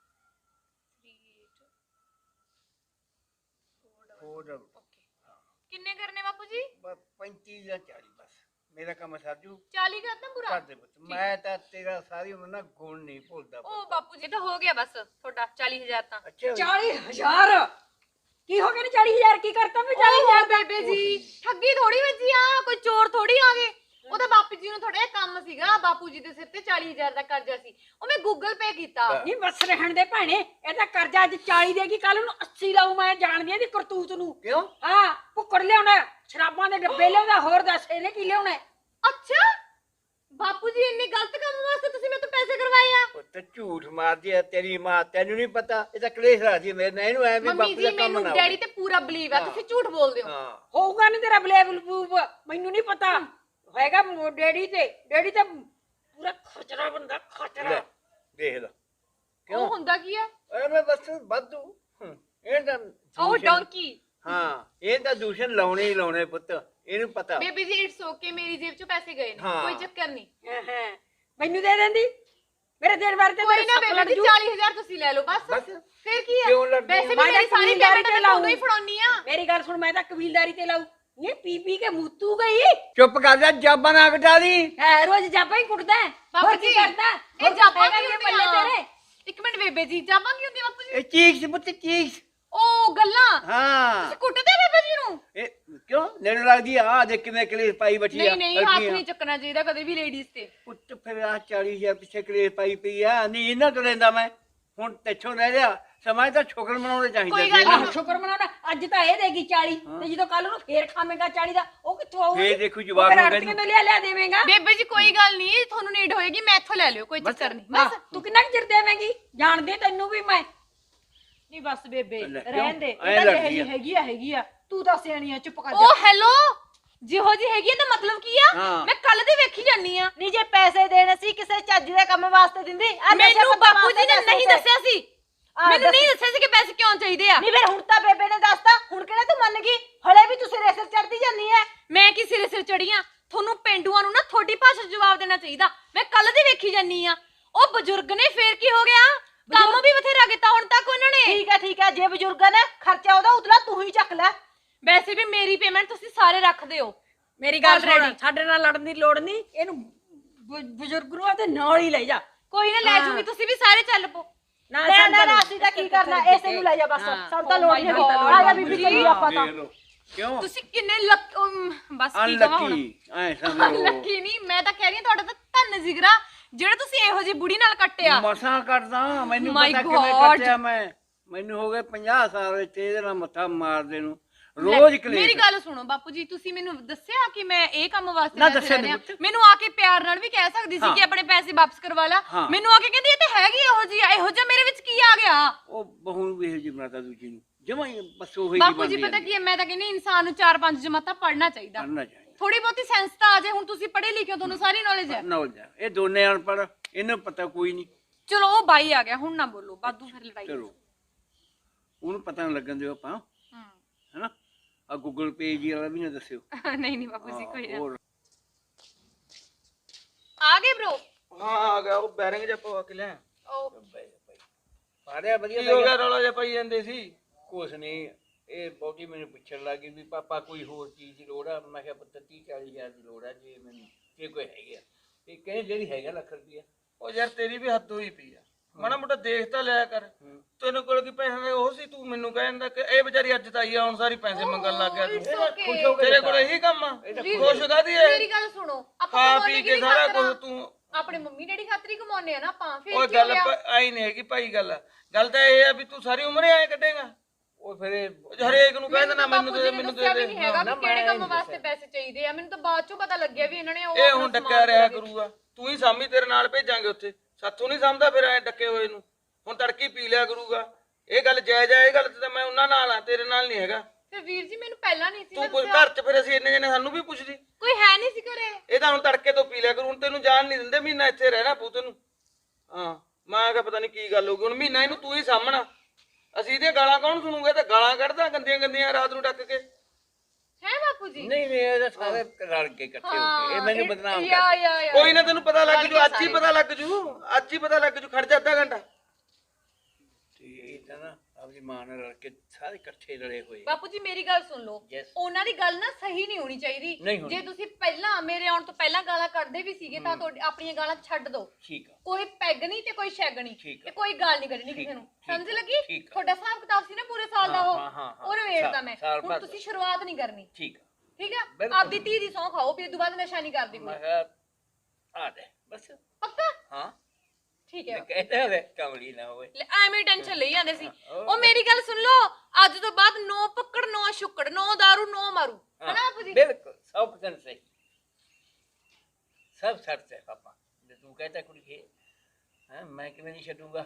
Speaker 4: ਹੋਰ
Speaker 3: ਓਕੇ ਕਿੰਨੇ ਕਰਨੇ ਬਾਪੂ ਜੀ।
Speaker 4: ਬਸ ਪੈਂਤੀ ਜਾਂ ਚਾਲੀ ਬਸ ਮੇਰਾ ਕੰਮ ਸਰਜੂ
Speaker 3: ਚਾਲੀ ਕਰਦਾ ਪੂਰਾ।
Speaker 4: ਕਰ ਦੇ ਪੁੱਤ ਮੈਂ ਤਾਂ ਤੇਰਾ ਸਾਰੀ ਉਮਰ ਨਾ ਗੁਣ ਨਹੀਂ ਭੁੱਲਦਾ ਪੁੱਤ।
Speaker 3: ਉਹ ਬਾਪੂ ਜੀ ਤਾਂ ਹੋ ਗਿਆ ਬਸ ਤੁਹਾਡਾ ਚਾਲੀ ਹਜ਼ਾਰ ਤਾਂ।
Speaker 4: ਅੱਛਾ ਵੀ।
Speaker 2: ਚਾਲੀ ਹਜ਼ਾਰ ਕੀ ਹੋ ਗਿਆ ਨੀ ਚਾਲੀ ਹਜ਼ਾਰ ਕੀ ਕਰਤਾ ਮੈਂ ਚਾਲੀ ਹਜ਼ਾਰ
Speaker 3: ਬੇਬੇ ਜੀ ਠੱਗੀ ਥੋੜੀ ਵੱਜੀ ਆ ਕੋਈ ਚੋਰ ਥੋੜੀ ਆ ਗਏ। ਉਹਦਾ ਬਾਪੂ ਜੀ ਨੂੰ ਥੋੜਾ ਕੰਮ ਸੀਗਾ ਬਾਪੂ ਜੀ ਦੇ ਸਿਰ ਤੇ ਚਾਲੀ ਹਜ਼ਾਰ ਦਾ ਕਰਜ਼ਾ ਸੀ ਉਹ ਮੈਂ ਗੂਗਲ ਪੇ ਕੀਤਾ।
Speaker 2: ਨਹੀਂ ਬਸ ਰਹਿਣ ਦੇ ਭੈਣੇ ਇਹਦਾ ਕਰਜ਼ਾ ਅੱਜ ਚਾਲੀ ਦੇਗੀ ਕੱਲ ਨੂੰ ਅੱਸੀ ਲਾਉ। ਮੈਂ ਜਾਣਦੀ ਆ ਦੀ ਕਰਤੂਤ ਨੂੰ।
Speaker 4: ਕਿਉਂ?
Speaker 2: ਹਾਂ ਭੁੱਕੜ ਲਿਆਉਣਾ ਸ਼ਰਾਬਾਂ ਦੇ ਡੱਬੇ ਲਿਆਉਂਦਾ ਹੋਰ ਦੱਸ ਇਹਨੇ ਕੀ ਲਿਆਉਣਾ।
Speaker 3: ਅੱਛਾ ਬਾਪੂ ਜੀ ਇੰਨੇ ਗਲਤ ਕੰਮ ਵਾਸਤੇ ਤੁਸੀਂ ਮੇਰੇ ਤੋਂ ਪੈਸੇ ਕਰਵਾਏ ਆ।
Speaker 4: ਪੁੱਤ ਝੂਠ ਮਾਰਦੀ ਆ ਤੇਰੀ ਮਾਂ ਤੈਨੂੰ ਨਹੀਂ ਪਤਾ ਇਹ ਤਾਂ ਕਲੇਸ਼ ਰਾਜੀ ਮੇਰੇ ਨਾਲ ਇਹਨੂੰ ਐ ਵੀ
Speaker 3: ਮੰਮੀ
Speaker 4: ਬਾਪੂ
Speaker 3: ਜੀ
Speaker 4: ਦਾ ਕੰਮ
Speaker 3: ਮੈਨੂੰ
Speaker 4: ਨਾ
Speaker 3: ਡੈਡੀ ਤੇ ਪੂਰਾ ਬਲੀਵ ਆ
Speaker 4: ਹਾਂ।
Speaker 3: ਤੁਸੀਂ ਝੂਠ ਬੋਲਦੇ ਹੋ।
Speaker 4: ਹਾਂ
Speaker 2: ਹੋਊਗਾ ਨੀ ਤੇਰਾ ਬਲੇਬਲ ਬੂਬ ਮੈਨੂੰ ਨਹੀਂ ਪਤਾ ਹੋਏਗਾ ਮੋ- ਡੈਡੀ ਤੇ ਡੈਡੀ ਤੇ ਪੂਰਾ ਖਚਰਾ ਬੰਦਾ
Speaker 4: ਲੈ
Speaker 2: ਖਚਰਾ।
Speaker 4: ਦੇਖ ਲੈ
Speaker 3: ਉਹ
Speaker 4: ਕਿਉਂ
Speaker 3: ਹੁੰਦਾ ਕੀ ਆ।
Speaker 4: ਐ ਮੈਂ ਬਸ ਵਾਧੂ ਹੂੰ, ਇਹ ਤਾਂ
Speaker 3: ਉਹ
Speaker 4: ਦੂਸ਼ਣ-
Speaker 3: ਡੋਂਕੀ।
Speaker 4: ਹਾਂ ਇਹ ਤਾਂ ਦੂਸ਼ਣ ਲਾਉਣੇ ਹੀ ਲਾਉਣੇ ਪੁੱਤ ਇਹਨੂੰ ਪਤਾ।
Speaker 3: ਬੇਬੀ ਜੀ ਇਟਸ ਓਕੇ ਮੇਰੀ ਜੇਬ ਚੋਂ ਪੈਸੇ ਗਏ ਨੇ
Speaker 4: ਹਾਂ।
Speaker 3: ਕੋਈ ਚੱਕਰ ਨਹੀਂ।
Speaker 2: ਹਾਂ ਹਾਂ ਮੈਨੂੰ ਦੇ ਦਿੰਦੀ ਮੇਰੇ ਦੇਣ ਵਾਰ ਤੇ
Speaker 3: ਕੋਈ
Speaker 2: ਮੇਰੇ
Speaker 3: ਨਾ
Speaker 2: ਸੱਪ ਲੜ
Speaker 3: ਬੇਬੀ ਜੀ
Speaker 2: ਜੂ।
Speaker 3: ਚਾਲੀ ਹਜ਼ਾਰ ਤੁਸੀਂ ਲੈ ਲਓ ਬਸ।
Speaker 4: ਬਸ
Speaker 3: ਫਿਰ ਕੀ ਆ
Speaker 4: ਕਿਉਂ ਲੜਦੀ
Speaker 3: ਵੈਸੇ ਵੀ
Speaker 2: ਮੈਂ ਤਾਂ
Speaker 3: ਮੇਰੀ ਸਾਰੀ
Speaker 2: ਕਬੀਲਦਾਰੀ
Speaker 3: ਪੇਮੈਂਟ
Speaker 2: ਤੇ
Speaker 3: ਮੈਂ
Speaker 2: ਲਾਊਂ।
Speaker 3: ਤੁਹਾਨੂੰ ਹੀ ਫੜਾਉਣੀ ਆ।
Speaker 2: ਮੇਰੀ ਗੱਲ ਸੁਣ ਮੈਂ ਤਾਂ ਕਬੀਲਦਾਰੀ ਤੇ ਲਾਉ ਇਹ ਪੀ ਪੀ ਕੇ ਮੂਤੂ ਗਈ
Speaker 4: ਚੁੱਪ ਕਰ ਜਾ ਜਾਬਾਂ ਨਾ ਕਟਾ ਲਈ।
Speaker 2: ਹੈ ਰੋਜ਼ ਜਾਪਾ ਹੀ ਕੁੱਟਦਾ ਹੈ।
Speaker 3: ਬਾਪੂ
Speaker 2: ਹੋਰ ਕੀ
Speaker 3: ਜੀ,
Speaker 2: ਕਰਦਾ
Speaker 3: ਇਹ ਜਾਬਾਂ ਕੀ
Speaker 2: ਪੱਲੇ
Speaker 3: ਹੁੰਦੀਆਂ?
Speaker 2: ਤੇਰੇ
Speaker 3: ਇੱਕ ਮਿੰਟ ਬੇਬੇ ਜੀ ਜਾਵਾਂ ਕੀ ਹੁੰਦੀ ਆ ਬਾਪੂ ਜੀ।
Speaker 4: ਇਹ ਚੀਕਸ ਪੁੱਤ ਚੀਕਸ।
Speaker 3: ਉਹ ਗੱਲਾਂ
Speaker 4: ਹਾਂ
Speaker 3: ਤੁਸੀਂ ਕੁੱਟਦੇ ਬੇਬੇ ਜੀ ਨੂੰ।
Speaker 4: ਇਹ ਕਿਉਂ ਲੈਣ ਲੱਗਦੀ ਆ ਆ ਦੇਖ ਕਿਵੇਂ ਕਲੇਸ਼ ਪਾਈ ਬੈਠੀ ਆ
Speaker 3: ਨਹੀਂ ਨਹੀਂ ਹੱਥ
Speaker 4: ਲੜਕੀਆਂ।
Speaker 3: ਨਹੀਂ ਚੱਕਣਾ ਚਾਹੀਦਾ ਕਦੇ ਵੀ ਲੇਡੀਜ਼ ਤੇ।
Speaker 4: ਪੁੱਤ ਫਿਰ ਆ ਚਾਲੀ ਹਜ਼ਾਰ ਪਿੱਛੇ ਕਲੇਸ਼ ਪਾਈ ਪਈ ਆ ਨਹੀਂ ਇਹਨਾਂ ਤੋਂ ਲੈਂਦਾ ਮੈਂ ਹੁਣ ਤੇਛੋਂ ਰਹਿ ਲਿਆ ਸਮਾਂ ਤਾਂ ਸ਼ੁਕਰ ਮਨਾਉਣੇ ਚਾਹੀਦੇ
Speaker 3: ਕੋਈ
Speaker 4: ਸੀ
Speaker 3: ਗੱਲ
Speaker 4: ਇਹਨਾਂ
Speaker 2: ਆਹ
Speaker 4: ਨੂੰ।
Speaker 2: ਸ਼ੁਕਰ ਮਨਾਉਣਾ ਅੱਜ ਤਾਂ ਇਹ ਦੇਗੀ ਚਾਲੀ ਤੇ ਜਦੋਂ ਕੱਲ ਨੂੰ ਫੇਰ ਖਾਵੇਂਗਾ ਚਾਲੀ ਦਾ ਉਹ ਕਿੱਥੋਂ ਆਊਗੀ।
Speaker 4: ਫੇਰ ਦੇਖੂ ਜਵਾਕ
Speaker 2: ਫਿਰ
Speaker 4: ਨੂੰ
Speaker 2: ਆੜਤੀਆਂ
Speaker 4: ਕਹਿੰਦੀ-
Speaker 2: ਤੋਂ ਲਿਆ ਲਿਆ ਦੇਵੇਂਗਾ।
Speaker 3: ਬੇਬੇ ਜੀ ਕੋਈ ਗੱਲ ਨਹੀਂ ਤੁਹਾਨੂੰ ਨੀਡ ਹੋਏਗੀ ਮੈਂ ਇੱਥੋਂ ਲੈ ਲਿਓ ਕੋਈ ਚੱਕਰ ਨਹੀਂ
Speaker 2: ਆਹ,
Speaker 3: ਬਸ।
Speaker 2: ਤੂੰ ਕਿੰਨਾ ਕੁ ਚਿਰ ਦੇਵੇਂਗੀ ਜਾਣਦੇ ਤੈਨੂੰ ਵੀ ਮੈਂ।
Speaker 1: ਨਹੀਂ ਬਸ ਬੇਬੇ
Speaker 4: ਲੈ, ਕਿਉਂ?
Speaker 1: ਰਹਿਣ ਦੇ
Speaker 4: ਐਂ
Speaker 1: ਇਹ ਤਾਂ
Speaker 4: ਲੜਦੀ
Speaker 1: ਜਿਹੀ
Speaker 4: ਆ।
Speaker 1: ਹੈਗੀ ਆ ਹੈਗੀ ਆ ਤੂੰ ਤਾਂ ਸਿਆਣੀ ਆ ਚੁੱਪ ਕਰ ਜਾ।
Speaker 3: ਉਹ ਹੈਲੋ ਜਿਹੋ ਜੀ ਹੈਗੀ ਆ ਤਾਂ ਮਤਲਬ ਕੀ ਆ।
Speaker 4: ਹਾਂ।
Speaker 3: ਮੈਂ ਕੱਲ ਦੀ ਵੇਖੀ ਜਾਨੀ ਆ।
Speaker 1: ਨਹੀਂ ਜੇ ਪੈਸੇ ਦੇਣੇ ਸੀ ਕਿਸੇ ਚੱਜ ਦੇ ਕੰਮ ਵਾਸਤੇ ਦਿੰਦੀ ਆਹ ਨਸ਼ੇ
Speaker 3: ਮੈਨੂੰ
Speaker 1: ਪੱਤੇ
Speaker 3: ਬਾਪੂ ਜੀ
Speaker 1: ਵਾਸਤੇ
Speaker 3: ਨੇ ਨਹੀਂ
Speaker 1: ਪੈਸੇ।
Speaker 3: ਦੱਸਿਆ ਸੀ।
Speaker 1: ਆਹ,
Speaker 3: ਮੈਨੂੰ ਨਹੀਂ
Speaker 1: ਦੱਸ-
Speaker 3: ਦੱਸਿਆ ਸੀ ਕਿ ਪੈਸੇ ਕਿਉਂ ਚਾਹੀਦੇ ਆ।
Speaker 1: ਨਹੀਂ ਫਿਰ ਹੁਣ ਤਾਂ ਬੇਬੇ ਨੇ ਦੱਸਤਾ ਹੁਣ ਕਿਹੜਾ ਤੂੰ ਮੰਨ ਗਈ ਹਲੇ ਵੀ ਤੂੰ ਸਿਰੇ ਸਿਰ ਚੜਦੀ ਜਾਂਦੀ ਐ।
Speaker 3: ਮੈਂ ਕੀ ਸਿਰੇ ਸਿਰ ਚੜੀ ਆ ਤੁਹਾਨੂੰ ਪੇਂਡੂਆਂ ਨੂੰ ਨਾ ਤੁਹਾਡੀ ਭਾਸ਼ਾ 'ਚ ਦੇਣਾ ਚਾਹੀਦਾ। ਮੈਂ ਕੱਲ ਦੀ ਵੇਖੀ ਜਾਨੀ ਆ, ਉਹ ਬਜ਼ੁਰਗ ਨੇ ਫੇਰ ਕੀ ਹੋ ਗਿਆ, ਕੰਮ ਵੀ ਬਥੇਰਾ ਕੀਤਾ ਹੁਣ ਤੱਕ ਉਹਨਾਂ ਨੇ।
Speaker 1: ਠੀਕ ਹੈ ਠੀਕ ਹੈ, ਜੇ ਬਜ਼ੁਰਗ ਨੇ ਖਰਚਾ ਉਹਦਾ ਉਤਲਾ ਤੂੰ ਹੀ ਚੱਕ ਲੈ।
Speaker 3: ਵੈਸੇ ਵੀ ਮੇਰੀ ਪੇਮੈਂਟ ਤੁਸੀਂ ਸਾਰੇ ਰੱਖਦੇ ਹੋ।
Speaker 2: ਮੇਰੀ ਗੱਲ
Speaker 3: Already।
Speaker 2: ਸੁਣ, ਸਾਡੇ ਨਾਲ ਲੜਨ ਦੀ ਲੋੜ ਨਹੀਂ, ਇਹਨੂੰ ਬ- ਬਜ਼ੁਰਗ ਨੂੰ ਤੇ ਨਾਲ ਹੀ ਲੈ ਜਾ।
Speaker 3: ਕੋਈ ਨਾ ਲੈ ਜੂਗੀ, ਤੁਸੀਂ ਵੀ ਸਾਰੇ ਚੱਲ ਪੋ।
Speaker 2: ਨਾ
Speaker 1: ਨਾ
Speaker 2: ਸਾਨੂੰ
Speaker 1: ਨਾ
Speaker 2: ਤਾਂ-
Speaker 1: ਅਸੀਂ ਤਾਂ ਕੀ ਕਰਨਾ, ਇਸੇ ਨੂੰ ਲੈ ਜਾ ਬਸ,
Speaker 2: ਹਾਂ।
Speaker 1: ਸਾਨੂੰ ਤਾਂ
Speaker 3: Oh
Speaker 1: ਲੋੜ
Speaker 3: my
Speaker 1: ਨਹੀਂ
Speaker 3: God।
Speaker 1: ਹੈਗੀ। ਆ ਜਾ ਬੀਬੀ ਚੱਲੀਏ ਆਪਾਂ ਤਾਂ।
Speaker 4: ਦੇਖ ਲਓ ਕਿਉਂ
Speaker 3: ਤੁਸੀਂ ਕਿੰਨੇ ਲੱਕ ਉਮ, ਬਸ ਕੀ ਕਹਾਂ ਹੁਣ।
Speaker 4: ਅਨਲੱਕੀ ਐ ਸਮਝੋ
Speaker 3: ਲੱਕੀ ਨਹੀਂ, ਮੈਂ ਤਾਂ ਕਹਿ ਰਹੀ ਹਾਂ ਤੁਹਾਡਾ ਤਾਂ ਧੰਨ ਜਿਗਰਾ ਜਿਹੜਾ ਤੁਸੀਂ ਇਹੋ ਜਿਹੀ ਬੁੜੀ ਨਾਲ ਕੱਟਿਆ।
Speaker 4: ਮਸਾਂ ਕੱਟਦਾ ਮੈਨੂੰ
Speaker 3: My
Speaker 4: ਪਤਾ ਕਿਵੇਂ
Speaker 3: God।
Speaker 4: ਕੱਟਿਆ ਮੈਂ। ਮੈਨੂੰ ਹੋ ਗਏ ਪੰਜਾਹ ਸਾਲ ਇੱਥੇ ਇਹਦੇ ਨਾਲ ਮੱਥਾ ਮਾਰਦੇ ਨੂੰ ਰੋਜ਼ ਕਲੇਸ਼।
Speaker 3: ਮੇਰੀ ਗੱਲ ਸੁਣੋ ਬਾਪੂ ਜੀ, ਤੁਸੀਂ ਮੈਨੂੰ ਦੱਸਿਆ ਕਿ ਮੈਂ ਇਹ ਕੰਮ ਵਾਸਤੇ
Speaker 4: ਨਾ
Speaker 3: ਪੈਸੇ
Speaker 4: ਦੱਸਿਆ
Speaker 3: ਲੈਣੇ ਆ?
Speaker 4: ਨਹੀਂ ਪੁੱਤ।
Speaker 3: ਮੈਨੂੰ ਆ ਕੇ ਪਿਆਰ ਨਾਲ ਵੀ ਕਹਿ ਸਕਦੀ ਸੀ
Speaker 4: ਹਾਂ।
Speaker 3: ਕਿ ਆਪਣੇ ਪੈਸੇ ਵਾਪਸ ਕਰਵਾ ਲਾ।
Speaker 4: ਹਾਂ।
Speaker 3: ਮੈਨੂੰ ਆ ਕੇ ਕਹਿੰਦੀ ਇਹ ਤੇ ਹੈਗੀ ਇਹੋ ਜਿਹੀ, ਇਹੋ ਜਿਹਾ ਮੇਰੇ ਵਿੱਚ ਕੀ ਆ ਗਿਆ?
Speaker 4: ਉਹ ਬਹੂ ਨੂੰ ਵੀ ਇਹੋ ਜਿਹੀ ਬਣਾਤਾ ਦੂਜੀ ਨੂੰ ਜਮਾਂ ਹੀ ਬਸ ਉਹੀ
Speaker 3: ਬਾਪੂ ਜੀ ਪਤਾ ਕੀ ਹੈ, ਮੈਂ ਤਾਂ ਕਹਿੰਦੀ ਇਨਸਾਨ ਨੂੰ ਚਾਰ ਪੰਜ ਜਮਾਤਾਂ ਪੜ੍ਹਨਾ ਚਾਹੀਦਾ।
Speaker 4: ਪੜਨਾ ਚਾਹੀਦਾ
Speaker 3: ਥੋੜੀ ਬਹੁਤੀ ਸੈਂਸ ਤਾਂ ਆ ਜਾਏ। ਹੁਣ ਤੁਸੀਂ ਪੜ੍ਹੇ ਲਿਖੇ ਹੋ, ਤੁਹਾਨੂੰ ਸਾਰੀ ਨੌਲੇਜ ਹੈ।
Speaker 4: ਨੌਲੇਜ ਹੈ। ਇਹ ਦੋਨੇ ਅਨਪੜ੍ਹ, ਇਹਨੂੰ ਪਤਾ ਕੋਈ ਨਹੀਂ।
Speaker 3: ਚਲੋ ਉਹ ਬਾਈ ਆ ਗਿਆ, ਹੁਣ ਨਾ ਬੋਲੋ ਬਾਦੂ, ਫਿਰ ਲੜਾਈ।
Speaker 4: ਚਲੋ ਉਹਨੂੰ ਪਤਾ ਨਾ ਲੱਗਣ ਦਿਓ ਆਪਾਂ,
Speaker 3: ਹਮ।
Speaker 4: ਹੈਨਾ। ਆ ਗੂਗਲ ਪੇ ਜੀ ਵਾਲਾ ਵੀ ਨਾ ਦੱਸਿਓ।
Speaker 3: ਨਹੀਂ ਨਹੀਂ ਬਾਪੂ ਜੀ ਕੋਈ ਨਾ।
Speaker 4: ਹੋਰ
Speaker 3: ਆ ਗਏ ਬ్రో।
Speaker 5: ਹਾਂ ਆ ਗਿਆ ਉਹ ਬੈਰਿੰਗ ਜਿਹਾ ਪਵਾ ਕੇ ਲਿਆ।
Speaker 3: ਉਹ
Speaker 4: ਪਾੜਿਆ ਵਧੀਆ
Speaker 5: ਕੀ ਹੋ ਗਿਆ ਰੌਲਾ ਜਿਹਾ ਪਾਈ ਜਾਂਦੇ ਸੀ?
Speaker 4: ਕੁਛ ਨਹੀਂ, ਇਹ ਬਹੁਤੀ ਮੈਨੂੰ ਪੁੱਛਣ ਲੱਗੀ ਵੀ ਪਾਪਾ ਕੋਈ ਹੋਰ ਚੀਜ਼ ਦੀ ਲੋੜ ਆ। ਮੈਂ ਕਿਹਾ ਪੁੱਤ ਤੀਹ ਚਾਲੀ ਹਜ਼ਾਰ ਦੀ ਲੋੜ ਆ ਜੇ ਮੈਨੂੰ, ਜੇ ਕੋਈ ਹੈਗੀ ਆ। ਇਹ ਕਹਿੰਦੇ ਜਿਹੜੀ ਹੈਗਾ ਲੱਖ ਰੁਪਈਆ।
Speaker 5: ਉਹ ਯਾਰ ਤੇਰੀ ਵੀ ਹੱਦ ਹੋਈ ਪਈ ਆ, ਮਾੜਾ ਮੋਟਾ ਦੇਖ ਤਾਂ ਲਿਆ ਕਰ। ਤੈਨੂੰ ਕੋਲ ਕੀ ਪੈਸੇ ਨੇ ਉਹ ਸੀ, ਤੂੰ ਮੈਨੂੰ ਕਹਿੰਦਾ ਕਿ ਇਹ ਵਿਚਾਰੀ ਅੱਜ ਤਾਂ ਆਈ ਆ, ਹੁਣ ਸਾਰੀ ਪੈਸੇ ਮੰਗਣ ਲੱਗ ਗਿਆ
Speaker 3: It's
Speaker 5: ਤੂੰ।
Speaker 3: okay।
Speaker 4: ਖੁਸ਼ ਹੋ ਕੇ
Speaker 5: ਤੇਰੇ ਕੋਲ ਇਹੀ ਕੰਮ ਆ?
Speaker 3: ਵੀਰ
Speaker 5: ਖੁਸ਼
Speaker 3: ਜੀ,
Speaker 5: ਕਾਹਦੀ ਐ?
Speaker 3: ਮੇਰੀ ਗੱਲ ਸੁਣੋ, ਆਪਾਂ
Speaker 5: ਖਾ
Speaker 3: ਕਮਾਉਣੇ
Speaker 5: ਪੀ ਕੇ
Speaker 3: ਕਿਹਦੀ
Speaker 5: ਸਾਰਾ
Speaker 3: ਖਾਤਰ ਆ?
Speaker 5: ਕੁਝ ਤੂੰ।
Speaker 3: ਆਪਣੇ ਮੰਮੀ ਡੈਡੀ ਖਾਤਰ ਹੀ ਕਮਾਉਣੇ ਆ ਨਾ ਆਪਾਂ, ਫਿਰ
Speaker 5: ਉਹ
Speaker 3: ਕੀ
Speaker 5: ਗੱਲ
Speaker 3: ਹੋਇਆ?
Speaker 5: ਆਈ ਨਹੀਂ ਹੈਗੀ ਭਾਈ, ਗੱਲ ਗੱਲ ਤਾਂ ਇਹ ਆ ਵੀ ਤੂੰ ਸਾਰੀ ਉਮਰ ਐ ਕੱਢੇਗਾ।
Speaker 4: ਉਹ ਫਿਰ ਇਹ
Speaker 5: ਹਰੇਕ ਨੂੰ ਕਹਿ ਦੇਣਾ
Speaker 3: ਮੈਨੂੰ
Speaker 5: ਮੈਨੂੰ
Speaker 3: ਤਾਂ
Speaker 5: ਦੇ
Speaker 3: ਬਾਪੂ ਜੀ ਨੇ
Speaker 5: ਮੈਨੂੰ
Speaker 3: ਦੱਸਿਆ
Speaker 5: ਦੇ
Speaker 3: ਵੀ
Speaker 5: ਦੇ।
Speaker 3: ਨਹੀਂ ਹੈਗਾ
Speaker 4: ਨਾ,
Speaker 3: ਵੀ ਕਿਹੜੇ
Speaker 4: ਮੈਂ
Speaker 3: ਕੰਮ
Speaker 4: ਨਹੀਂ
Speaker 3: ਵਾਸਤੇ
Speaker 4: ਦੱਸਿਆ।
Speaker 3: ਪੈਸੇ ਚਾਹੀਦੇ ਆ। ਮੈਨੂੰ ਤਾਂ ਬਾਅਦ ਚੋਂ ਪਤਾ ਲੱਗਿਆ ਵੀ ਇਹਨਾਂ ਨੇ ਉਹ
Speaker 5: ਇਹ
Speaker 3: ਆਪਣਾ
Speaker 5: ਹੁਣ
Speaker 3: ਸਮਾਨ
Speaker 5: ਡੱਕਿਆ ਰਿਹਾ
Speaker 3: ਦੇ-
Speaker 5: ਕਰੂਗਾ, ਤੂੰ ਹੀ ਸਾਮੀ ਤੇਰੇ ਨਾਲ ਭੇਜਾਂਗੇ ਉੱਥੇ। ਸਾਥੋਂ ਨਹੀਂ ਸਮਝਦਾ ਫਿਰ ਐ ਡੱਕੇ ਹੋਏ ਨੂੰ। ਹੁਣ ਤੜਕੀ ਪੀ ਲਿਆ ਕਰੂਗਾ। ਇਹ ਗੱਲ ਜਾਇਜ਼ ਆ, ਇਹ ਗੱਲ ਤੇ ਤਾਂ ਮੈਂ ਉਹਨਾਂ ਨਾਲ ਆ, ਤੇਰੇ ਨਾਲ ਨਹੀਂ ਹੈਗਾ।
Speaker 3: ਫਿਰ ਵੀਰ ਜੀ ਮੈਨੂੰ ਪਹਿਲਾਂ ਨਹੀਂ ਸੀ
Speaker 5: ਤੂੰ
Speaker 3: ਨਾ
Speaker 5: ਕੋਈ
Speaker 3: ਦੱਸਿਆ।
Speaker 5: ਘਰ 'ਚ ਫਿਰ ਅਸੀਂ ਇੰਨੇ ਜਣੇ ਸਾਨੂੰ ਵੀ ਪੁੱਛਦੀ।
Speaker 3: ਕੋਈ ਹੈ ਨਹੀਂ ਸੀ ਘਰੇ।
Speaker 5: ਇਹ ਤਾਂ ਹੁਣ ਤੜਕੇ ਤੋਂ ਪੀ ਲਿਆ ਕਰੂ, ਹੁਣ ਤੈਨੂੰ ਜਾਣ ਨਹੀਂ ਦਿੰਦੇ, ਮਹੀਨਾ ਇੱਥੇ ਰਹਿਣਾ ਪੂ ਤੈਨੂੰ। ਹਾਂ ਮੈਂ ਕਿਹਾ ਪਤਾ ਨਹੀਂ ਕੀ ਗੱਲ ਹੋ ਗਈ, ਹੁਣ ਮਹੀਨਾ ਇਹਨੂੰ ਤੂੰ ਹੀ ਸਾਹਮਣਾ। ਅਸੀਂ ਇਹਦੀਆਂ ਗਾਲਾਂ ਕੌਣ ਸੁਣੂਗਾ? ਤੇ ਗਾਲਾਂ ਕੱਢਦਾ ਗੰਦੀਆਂ ਗੰਦੀਆਂ ਰਾਤ ਨੂੰ ਡੱਕ ਕੇ।
Speaker 3: ਹੈ ਬਾਪੂ ਜੀ?
Speaker 4: ਨਹੀਂ ਨਹੀਂ ਇਹ ਤਾਂ ਸਾਰੇ ਰਲ ਕੇ ਇਕੱਠੇ ਹੋ ਕੇ ਇਹ ਮੈਨੂੰ ਬਦਨਾਮ
Speaker 3: ਯਾ
Speaker 4: ਕਰ।
Speaker 3: ਯਾ ਯਾ
Speaker 5: ਕੋਈ ਨਾ ਤੈਨੂੰ ਪਤਾ ਲੱਗ ਜੂ, ਅੱਜ ਹੀ
Speaker 3: ਸਾਰੇ।
Speaker 5: ਪਤਾ ਲੱਗ ਜੂ, ਅੱਜ ਹੀ ਪਤਾ ਲੱਗ ਜੂ। ਖੜ ਜਾ ਅੱਧਾ ਘੰਟਾ।
Speaker 4: ਤੇ ਇਹ ਤਾਂ ਨਾ ਆਪਣੀ ਮਾਂ ਨਾਲ ਰਲ ਕੇ ਸਾਰੇ ਇਕੱਠੇ ਲੜੇ ਹੋਏ ਆ।
Speaker 3: ਬਾਪੂ ਜੀ ਮੇਰੀ ਗੱਲ ਸੁਣ ਲਓ,
Speaker 4: Yes।
Speaker 3: ਉਹਨਾਂ ਦੀ ਗੱਲ ਨਾ ਸਹੀ ਨਹੀਂ ਹੋਣੀ
Speaker 4: ਨਹੀਂ
Speaker 3: ਚਾਹੀਦੀ।
Speaker 4: ਹੋਣੀ।
Speaker 3: ਜੇ ਤੁਸੀਂ ਪਹਿਲਾਂ ਮੇਰੇ ਆਉਣ ਤੋਂ ਪਹਿਲਾਂ ਗਾਲਾਂ ਕੱਢਦੇ ਵੀ ਸੀਗੇ ਤਾਂ ਤੁਹਾਡੀ ਆਪਣੀਆਂ ਗਾਲਾਂ ਛੱਡ ਦਿਓ।
Speaker 4: ਠੀਕ ਆ।
Speaker 3: ਕੋਈ ਪੈਗ ਨਹੀਂ ਤੇ ਕੋਈ ਸ਼ੈਗ ਨਹੀਂ,
Speaker 4: ਠੀਕ ਆ।
Speaker 3: ਤੇ ਕੋਈ ਗੱਲ ਨਹੀਂ ਕਰਨੀ
Speaker 4: ਠੀਕ
Speaker 3: ਕਿਸੇ ਨੂੰ।
Speaker 4: ਠੀਕ
Speaker 3: ਸਮਝ
Speaker 4: ਆ,
Speaker 3: ਲੱਗੀ?
Speaker 4: ਠੀਕ ਆ।
Speaker 3: ਤੁਹਾਡਾ ਹਿਸਾਬ ਕਿਤਾਬ ਸੀ ਨਾ ਪੂਰੇ ਸਾਲ ਦਾ
Speaker 4: ਹਾਂ,
Speaker 3: ਉਹ
Speaker 4: ਹਾਂ, ਹਾਂ, ਹਾਂ।
Speaker 3: ਉਹ ਨਵੇੜਦਾ
Speaker 4: ਸਾਲ-
Speaker 3: ਮੈਂ।
Speaker 4: ਸਾਲ
Speaker 3: ਹੁਣ
Speaker 4: ਬਾਅਦ।
Speaker 3: ਤੁਸੀਂ ਸ਼ੁਰੂਆਤ ਨਹੀਂ ਕਰਨੀ,
Speaker 4: ਠੀਕ ਆ।
Speaker 3: ਠੀਕ ਆ?
Speaker 4: ਬਿਲਕੁਲ।
Speaker 3: ਆਪਦੀ ਧੀ ਦੀ ਸਹੁੰ ਖਾਓ ਵੀ ਇਹ ਤੋਂ ਬਾਅਦ ਨਸ਼ਾ ਨਹੀਂ ਕਰਦੀ
Speaker 4: ਮੈਂ
Speaker 3: ਕੋਈ।
Speaker 4: ਕਿਹਾ ਆ ਦੇ ਬਸ।
Speaker 3: ਪੱਕਾ?
Speaker 4: ਹਾਂ
Speaker 3: ਠੀਕ ਹੈ।
Speaker 4: ਕਹਿੰਦਾ ਹੋਵੇ ਕਮਲੀ ਨਾ ਹੋਵੇ।
Speaker 3: ਲੈ ਐਵੇਂ ਟੈਨਸ਼ਨ ਲਈ ਜਾਂਦੇ ਸੀ।
Speaker 4: ਹਾਂ,
Speaker 3: ਉਹ ਮੇਰੀ ਗੱਲ ਸੁਣ ਲਓ, ਅੱਜ ਤੋਂ ਬਾਅਦ ਨੋ ਪੱਕੜ ਨੋ ਸ਼ੁੱਕੜ ਨੋ दारू ਨੋ ਮਾਰੂ, ਹਨਾ ਬਾਪੂ ਜੀ?
Speaker 4: ਬਿਲਕੁਲ ਸੌ ਪ੍ਰਸੈਂਟ ਸਹੀ। ਸਭ ਸੱਚ ਹੈ ਪਾਪਾ। ਜੇ ਤੂੰ कहता ਕੁੜੀ ਹੈ ਹਾਂ ਮੈਂ ਕਿਵੇਂ ਨਹੀਂ ਛੱਡੂਗਾ।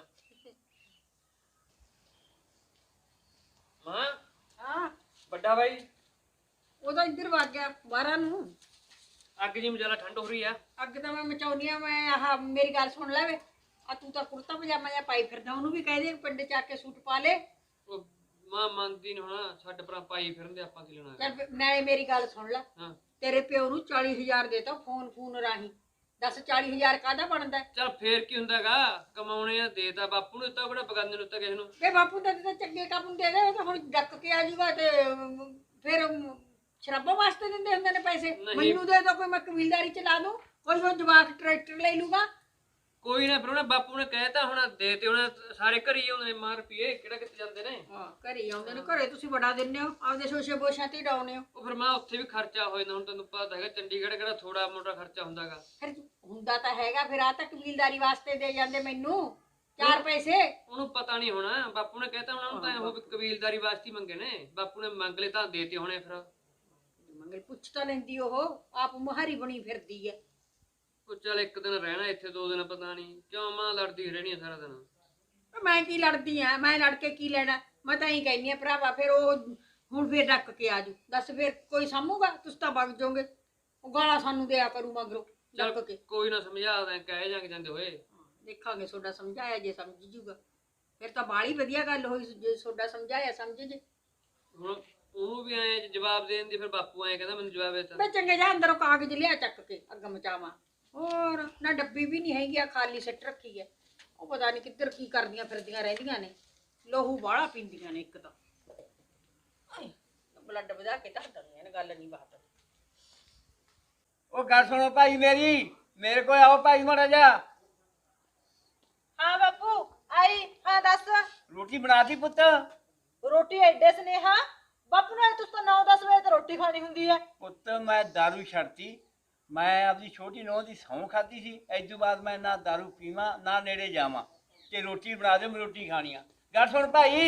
Speaker 5: ਮਾਂ
Speaker 2: ਹਾਂ
Speaker 5: ਵੱਡਾ ਬਾਈ
Speaker 2: ਉਹਦਾ ਇੱਧਰ ਵਗ ਗਿਆ ਬਾਹਰਾਂ ਨੂੰ।
Speaker 5: ਅੱਗ ਜੀ ਮਜਾਲਾ ਠੰਡ ਹੋ ਰਹੀ ਆ।
Speaker 2: ਅੱਗ ਤਾਂ ਮੈਂ ਮਚਾਉਣੀ ਆ। ਮੈਂ ਆਹ ਮੇਰੀ ਗੱਲ ਸੁਣ ਲੈ ਵੇ, ਆ ਤੂੰ ਤਾਂ ਕੁੜਤਾ ਪਜਾਮਾ ਜਿਹਾ ਪਾਈ ਫਿਰਦਾ, ਉਹਨੂੰ ਵੀ ਕਹਿ ਦੇ ਪਿੰਡ ਚ ਆ ਕੇ ਸੂਟ ਪਾ ਲੈ।
Speaker 6: ਉਹ ਮਾਂ ਮੰਨਦੀ ਨੀ ਹੋਣਾ, ਛੱਡ ਪਰਾਂ ਪਾਈ ਫਿਰਦੇ ਆਪਾਂ ਕੀ ਲੈਣਾ।
Speaker 2: ਚੱਲ ਫਿਰ ਨਾਲੇ ਮੇਰੀ ਗੱਲ ਸੁਣ ਲੈ,
Speaker 6: ਹਾਂ
Speaker 2: ਤੇਰੇ ਪਿਓ ਨੂੰ ਚਾਲੀ ਹਜ਼ਾਰ ਦੇਤਾ ਫੋਨ ਫੋਨ ਰਾਹੀਂ। ਦੱਸ ਚਾਲੀ ਹਜ਼ਾਰ ਕਾਹਦਾ ਬਣਦਾ?
Speaker 6: ਚੱਲ ਫੇਰ ਕੀ ਹੁੰਦਾਗਾ, ਕਮਾਉਣੇ ਆ ਦੇਤਾ ਬਾਪੂ ਨੂੰ ਦਿੱਤਾ, ਬੜਾ ਬਗਾਨੇ ਨੂੰ ਦਿੱਤਾ ਕਿਸੇ ਨੂੰ।
Speaker 2: ਵੇ ਬਾਪੂ ਦਾ ਤਾਂ ਚੰਗੇ ਕੰਮ ਨੂੰ ਦੇ ਦੇ, ਉਹ ਤਾਂ ਹੁਣ ਡੱਕ ਕੇ ਆ ਜਾਊਗਾ ਤੇ ਅਮ, ਫਿਰ ਅਮ, ਸ਼ਰਾਬਾਂ ਵਾਸਤੇ ਦਿੰਦੇ ਹੁੰਦੇ ਨੇ ਪੈਸੇ।
Speaker 6: ਨਹੀਂ।
Speaker 2: ਮੈਨੂੰ ਦੇ ਦੋ, ਕੋਈ ਮੈਂ ਕਬੀਲਦਾਰੀ ਚਲਾ ਦੂੰ, ਕੋਈ ਉਹ ਜਵਾਕ ਟਰੈਕਟਰ ਲੈ ਲੂਗਾ।
Speaker 6: ਕੋਈ ਨਾ ਫਿਰ ਉਹਨੇ ਬਾਪੂ ਨੇ ਕਹਿਤਾ ਹੁਣ ਦੇ ਤੇ ਹੁਣ ਸਾਰੇ ਘਰ ਹੀ ਆਉਂਦੇ ਨੇ ਮਾਰ ਪੀਏ, ਕਿਹੜਾ ਕਿੱਥੇ ਜਾਂਦੇ ਨੇ।
Speaker 2: ਹਾਂ ਘਰੇ ਆਉਂਦੇ ਨੇ, ਘਰੇ ਤੁਸੀਂ ਬੜਾ ਦਿੰਦੇ ਹੋ, ਆਪਦੇ ਸ਼ੋਸ਼ੇ ਬੋਸ਼ਾਂ ਤੇ ਡਾਉਨੇ ਹੋ।
Speaker 6: ਉਹ ਫਿਰ ਮਾਂ ਉੱਥੇ ਵੀ ਖਰਚਾ ਹੋ ਜਾਂਦਾ, ਹੁਣ ਤੈਨੂੰ ਪਤਾ ਹੈਗਾ ਚੰਡੀਗੜ੍ਹ ਕਿਹੜਾ ਥੋੜਾ ਮੋਟਾ ਖਰਚਾ ਹੁੰਦਾਗਾ।
Speaker 2: ਫਿਰ ਹੁੰਦਾ ਤਾਂ ਹੈਗਾ, ਫਿਰ ਆ ਤਾਂ ਕਬੀਲਦਾਰੀ ਵਾਸਤੇ ਦੇ ਜਾਂਦੇ ਮੈਨੂੰ ਚਾਰ ਪੈਸੇ।
Speaker 6: ਉਹਨੂੰ ਪਤਾ ਨਹੀਂ ਹੋਣਾ, ਬਾਪੂ ਨੇ ਕਹਿਤਾ ਉਹਨਾਂ ਨੂੰ ਤਾਂ ਉਹ ਵੀ ਕਬੀਲਦਾਰੀ ਵਾਸਤੇ ਹੀ ਮੰਗੇ ਨੇ, ਬਾਪੂ ਨੇ ਮੰਗ ਲਏ ਤਾਂ ਦੇਤੇ ਹੋਣੇ। ਫਿਰ
Speaker 2: ਮੰਗਲ ਪੁੱਛ ਤਾਂ ਲੈਂਦੀ, ਉਹ ਆਪ ਮੁਹਾਰੀ ਬਣੀ ਫਿਰਦੀ ਹੈ।
Speaker 6: ਉਹ ਚੱਲ ਇੱਕ ਦਿਨ ਰਹਿਣਾ ਇੱਥੇ, ਦੋ ਦਿਨ ਪਤਾ ਨਹੀਂ ਕਿਉਂ ਮਾਂ ਲੜਦੀ ਰਹਿਣੀ ਆ ਸਾਰਾ ਦਿਨ।
Speaker 2: ਮੈਂ ਕੀ ਲੜਦੀ ਆ, ਮੈਂ ਲੜ ਕੇ ਕੀ ਲੈਣਾ? ਮੈਂ ਤਾਂ ਹੀ ਕਹਿੰਦੀ ਆ ਭਰਾਵਾ, ਫਿਰ ਉਹ ਹੁਣ ਫਿਰ ਡੱਕ ਕੇ ਆਜੂ। ਦੱਸ ਫਿਰ ਕੋਈ ਸਾਂਭੂਗਾ? ਤੁਸੀਂ ਤਾਂ ਵਗ ਜਾਓਗੇ, ਉਹ ਗਾਲਾਂ ਸਾਨੂੰ ਦਿਆ ਕਰੂ ਮਗਰੋਂ ਡੱਕ
Speaker 6: ਚੱਲ
Speaker 2: ਕੇ।
Speaker 6: ਕੋਈ ਨਾ ਸਮਝਾ ਦਾਂ, ਕਹਿ ਜਾਂਗੇ ਜਾਂਦੇ ਹੋਏ।
Speaker 2: ਦੇਖਾਂਗੇ ਤੁਹਾਡਾ ਸਮਝਾਇਆ ਜੇ ਸਮਝ ਜੂਗਾ, ਫਿਰ ਤਾਂ ਬਾਲੀ ਵਧੀਆ ਗੱਲ ਹੋਈ। ਜੇ ਤੁਹਾਡਾ ਸਮਝਾਇਆ ਸਮਝ ਜੇ।
Speaker 6: ਹੁਣ ਉਹਨੂੰ ਵੀ ਐ ਜਵਾਬ ਦੇਣ ਦੀ, ਫਿਰ ਬਾਪੂ ਐ ਕਹਿੰਦਾ ਮੈਨੂੰ ਜਵਾਬ ਦਿੱਤਾ।
Speaker 2: ਮੈਂ ਚੰਗੇ ਜਾ ਅੰਦਰੋਂ ਕਾਗਜ਼ ਲਿਆ ਚੱਕ ਕੇ ਅੱਗ ਮਚਾਵਾਂ। ਹੋਰ ਨਾ ਡੱਬੀ ਵੀ ਨਹੀਂ ਹੈਗੀ ਆ, ਖਾਲੀ ਸਿੱਟ ਰੱਖੀ ਹੈ। ਉਹ ਪਤਾ ਨਹੀਂ ਕਿੱਧਰ ਕੀ ਕਰਦੀਆਂ ਫਿਰਦੀਆਂ ਰਹਿੰਦੀਆਂ ਨੇ, ਲੋਹੂ ਬਾਹਲਾ ਪੀਂਦੀਆਂ ਨੇ ਇੱਕ ਤਾਂ। ਆਏ, ਬਲੱਡ ਵਧਾ ਕੇ ਧਰ ਦਿੰਦੀਆਂ ਨੇ, ਗੱਲ ਨਹੀਂ ਬਾਤ।
Speaker 4: ਉਹ ਗੱਲ ਸੁਣੋ ਭਾਈ ਮੇਰੀ, ਮੇਰੇ ਕੋਲ ਆਓ ਭਾਈ ਮਾੜਾ ਜਾ।
Speaker 1: ਹਾਂ ਬਾਪੂ ਆਈ। ਹਾਂ ਦੱਸ।
Speaker 4: ਰੋਟੀ ਬਣਾਤੀ ਪੁੱਤ?
Speaker 1: ਰੋਟੀ ਐਡੇ ਸਨੇਹਾ ਬਾਪੂ ਨਾਲ ਤੁਸੀਂ ਤਾਂ ਨੌ ਦਸ ਵਜੇ ਤੇ ਰੋਟੀ ਖਾਣੀ ਹੁੰਦੀ ਹੈ।
Speaker 4: ਪੁੱਤ ਮੈਂ ਦਾਰੂ ਛੱਡਤੀ, ਮੈਂ ਆਪਣੀ ਛੋਟੀ ਨੂੰਹ ਦੀ ਸਹੁੰ ਖਾਧੀ ਸੀ। ਇਸ ਤੋਂ ਬਾਅਦ ਮੈਂ ਨਾ ਦਾਰੂ ਪੀਵਾਂ ਨਾ ਨੇੜੇ ਜਾਵਾਂ, ਤੇ ਰੋਟੀ ਬਣਾ ਦਿਓ, ਮੈਂ ਰੋਟੀ ਖਾਣੀ ਆ। ਗੱਲ ਸੁਣ ਭਾਈ।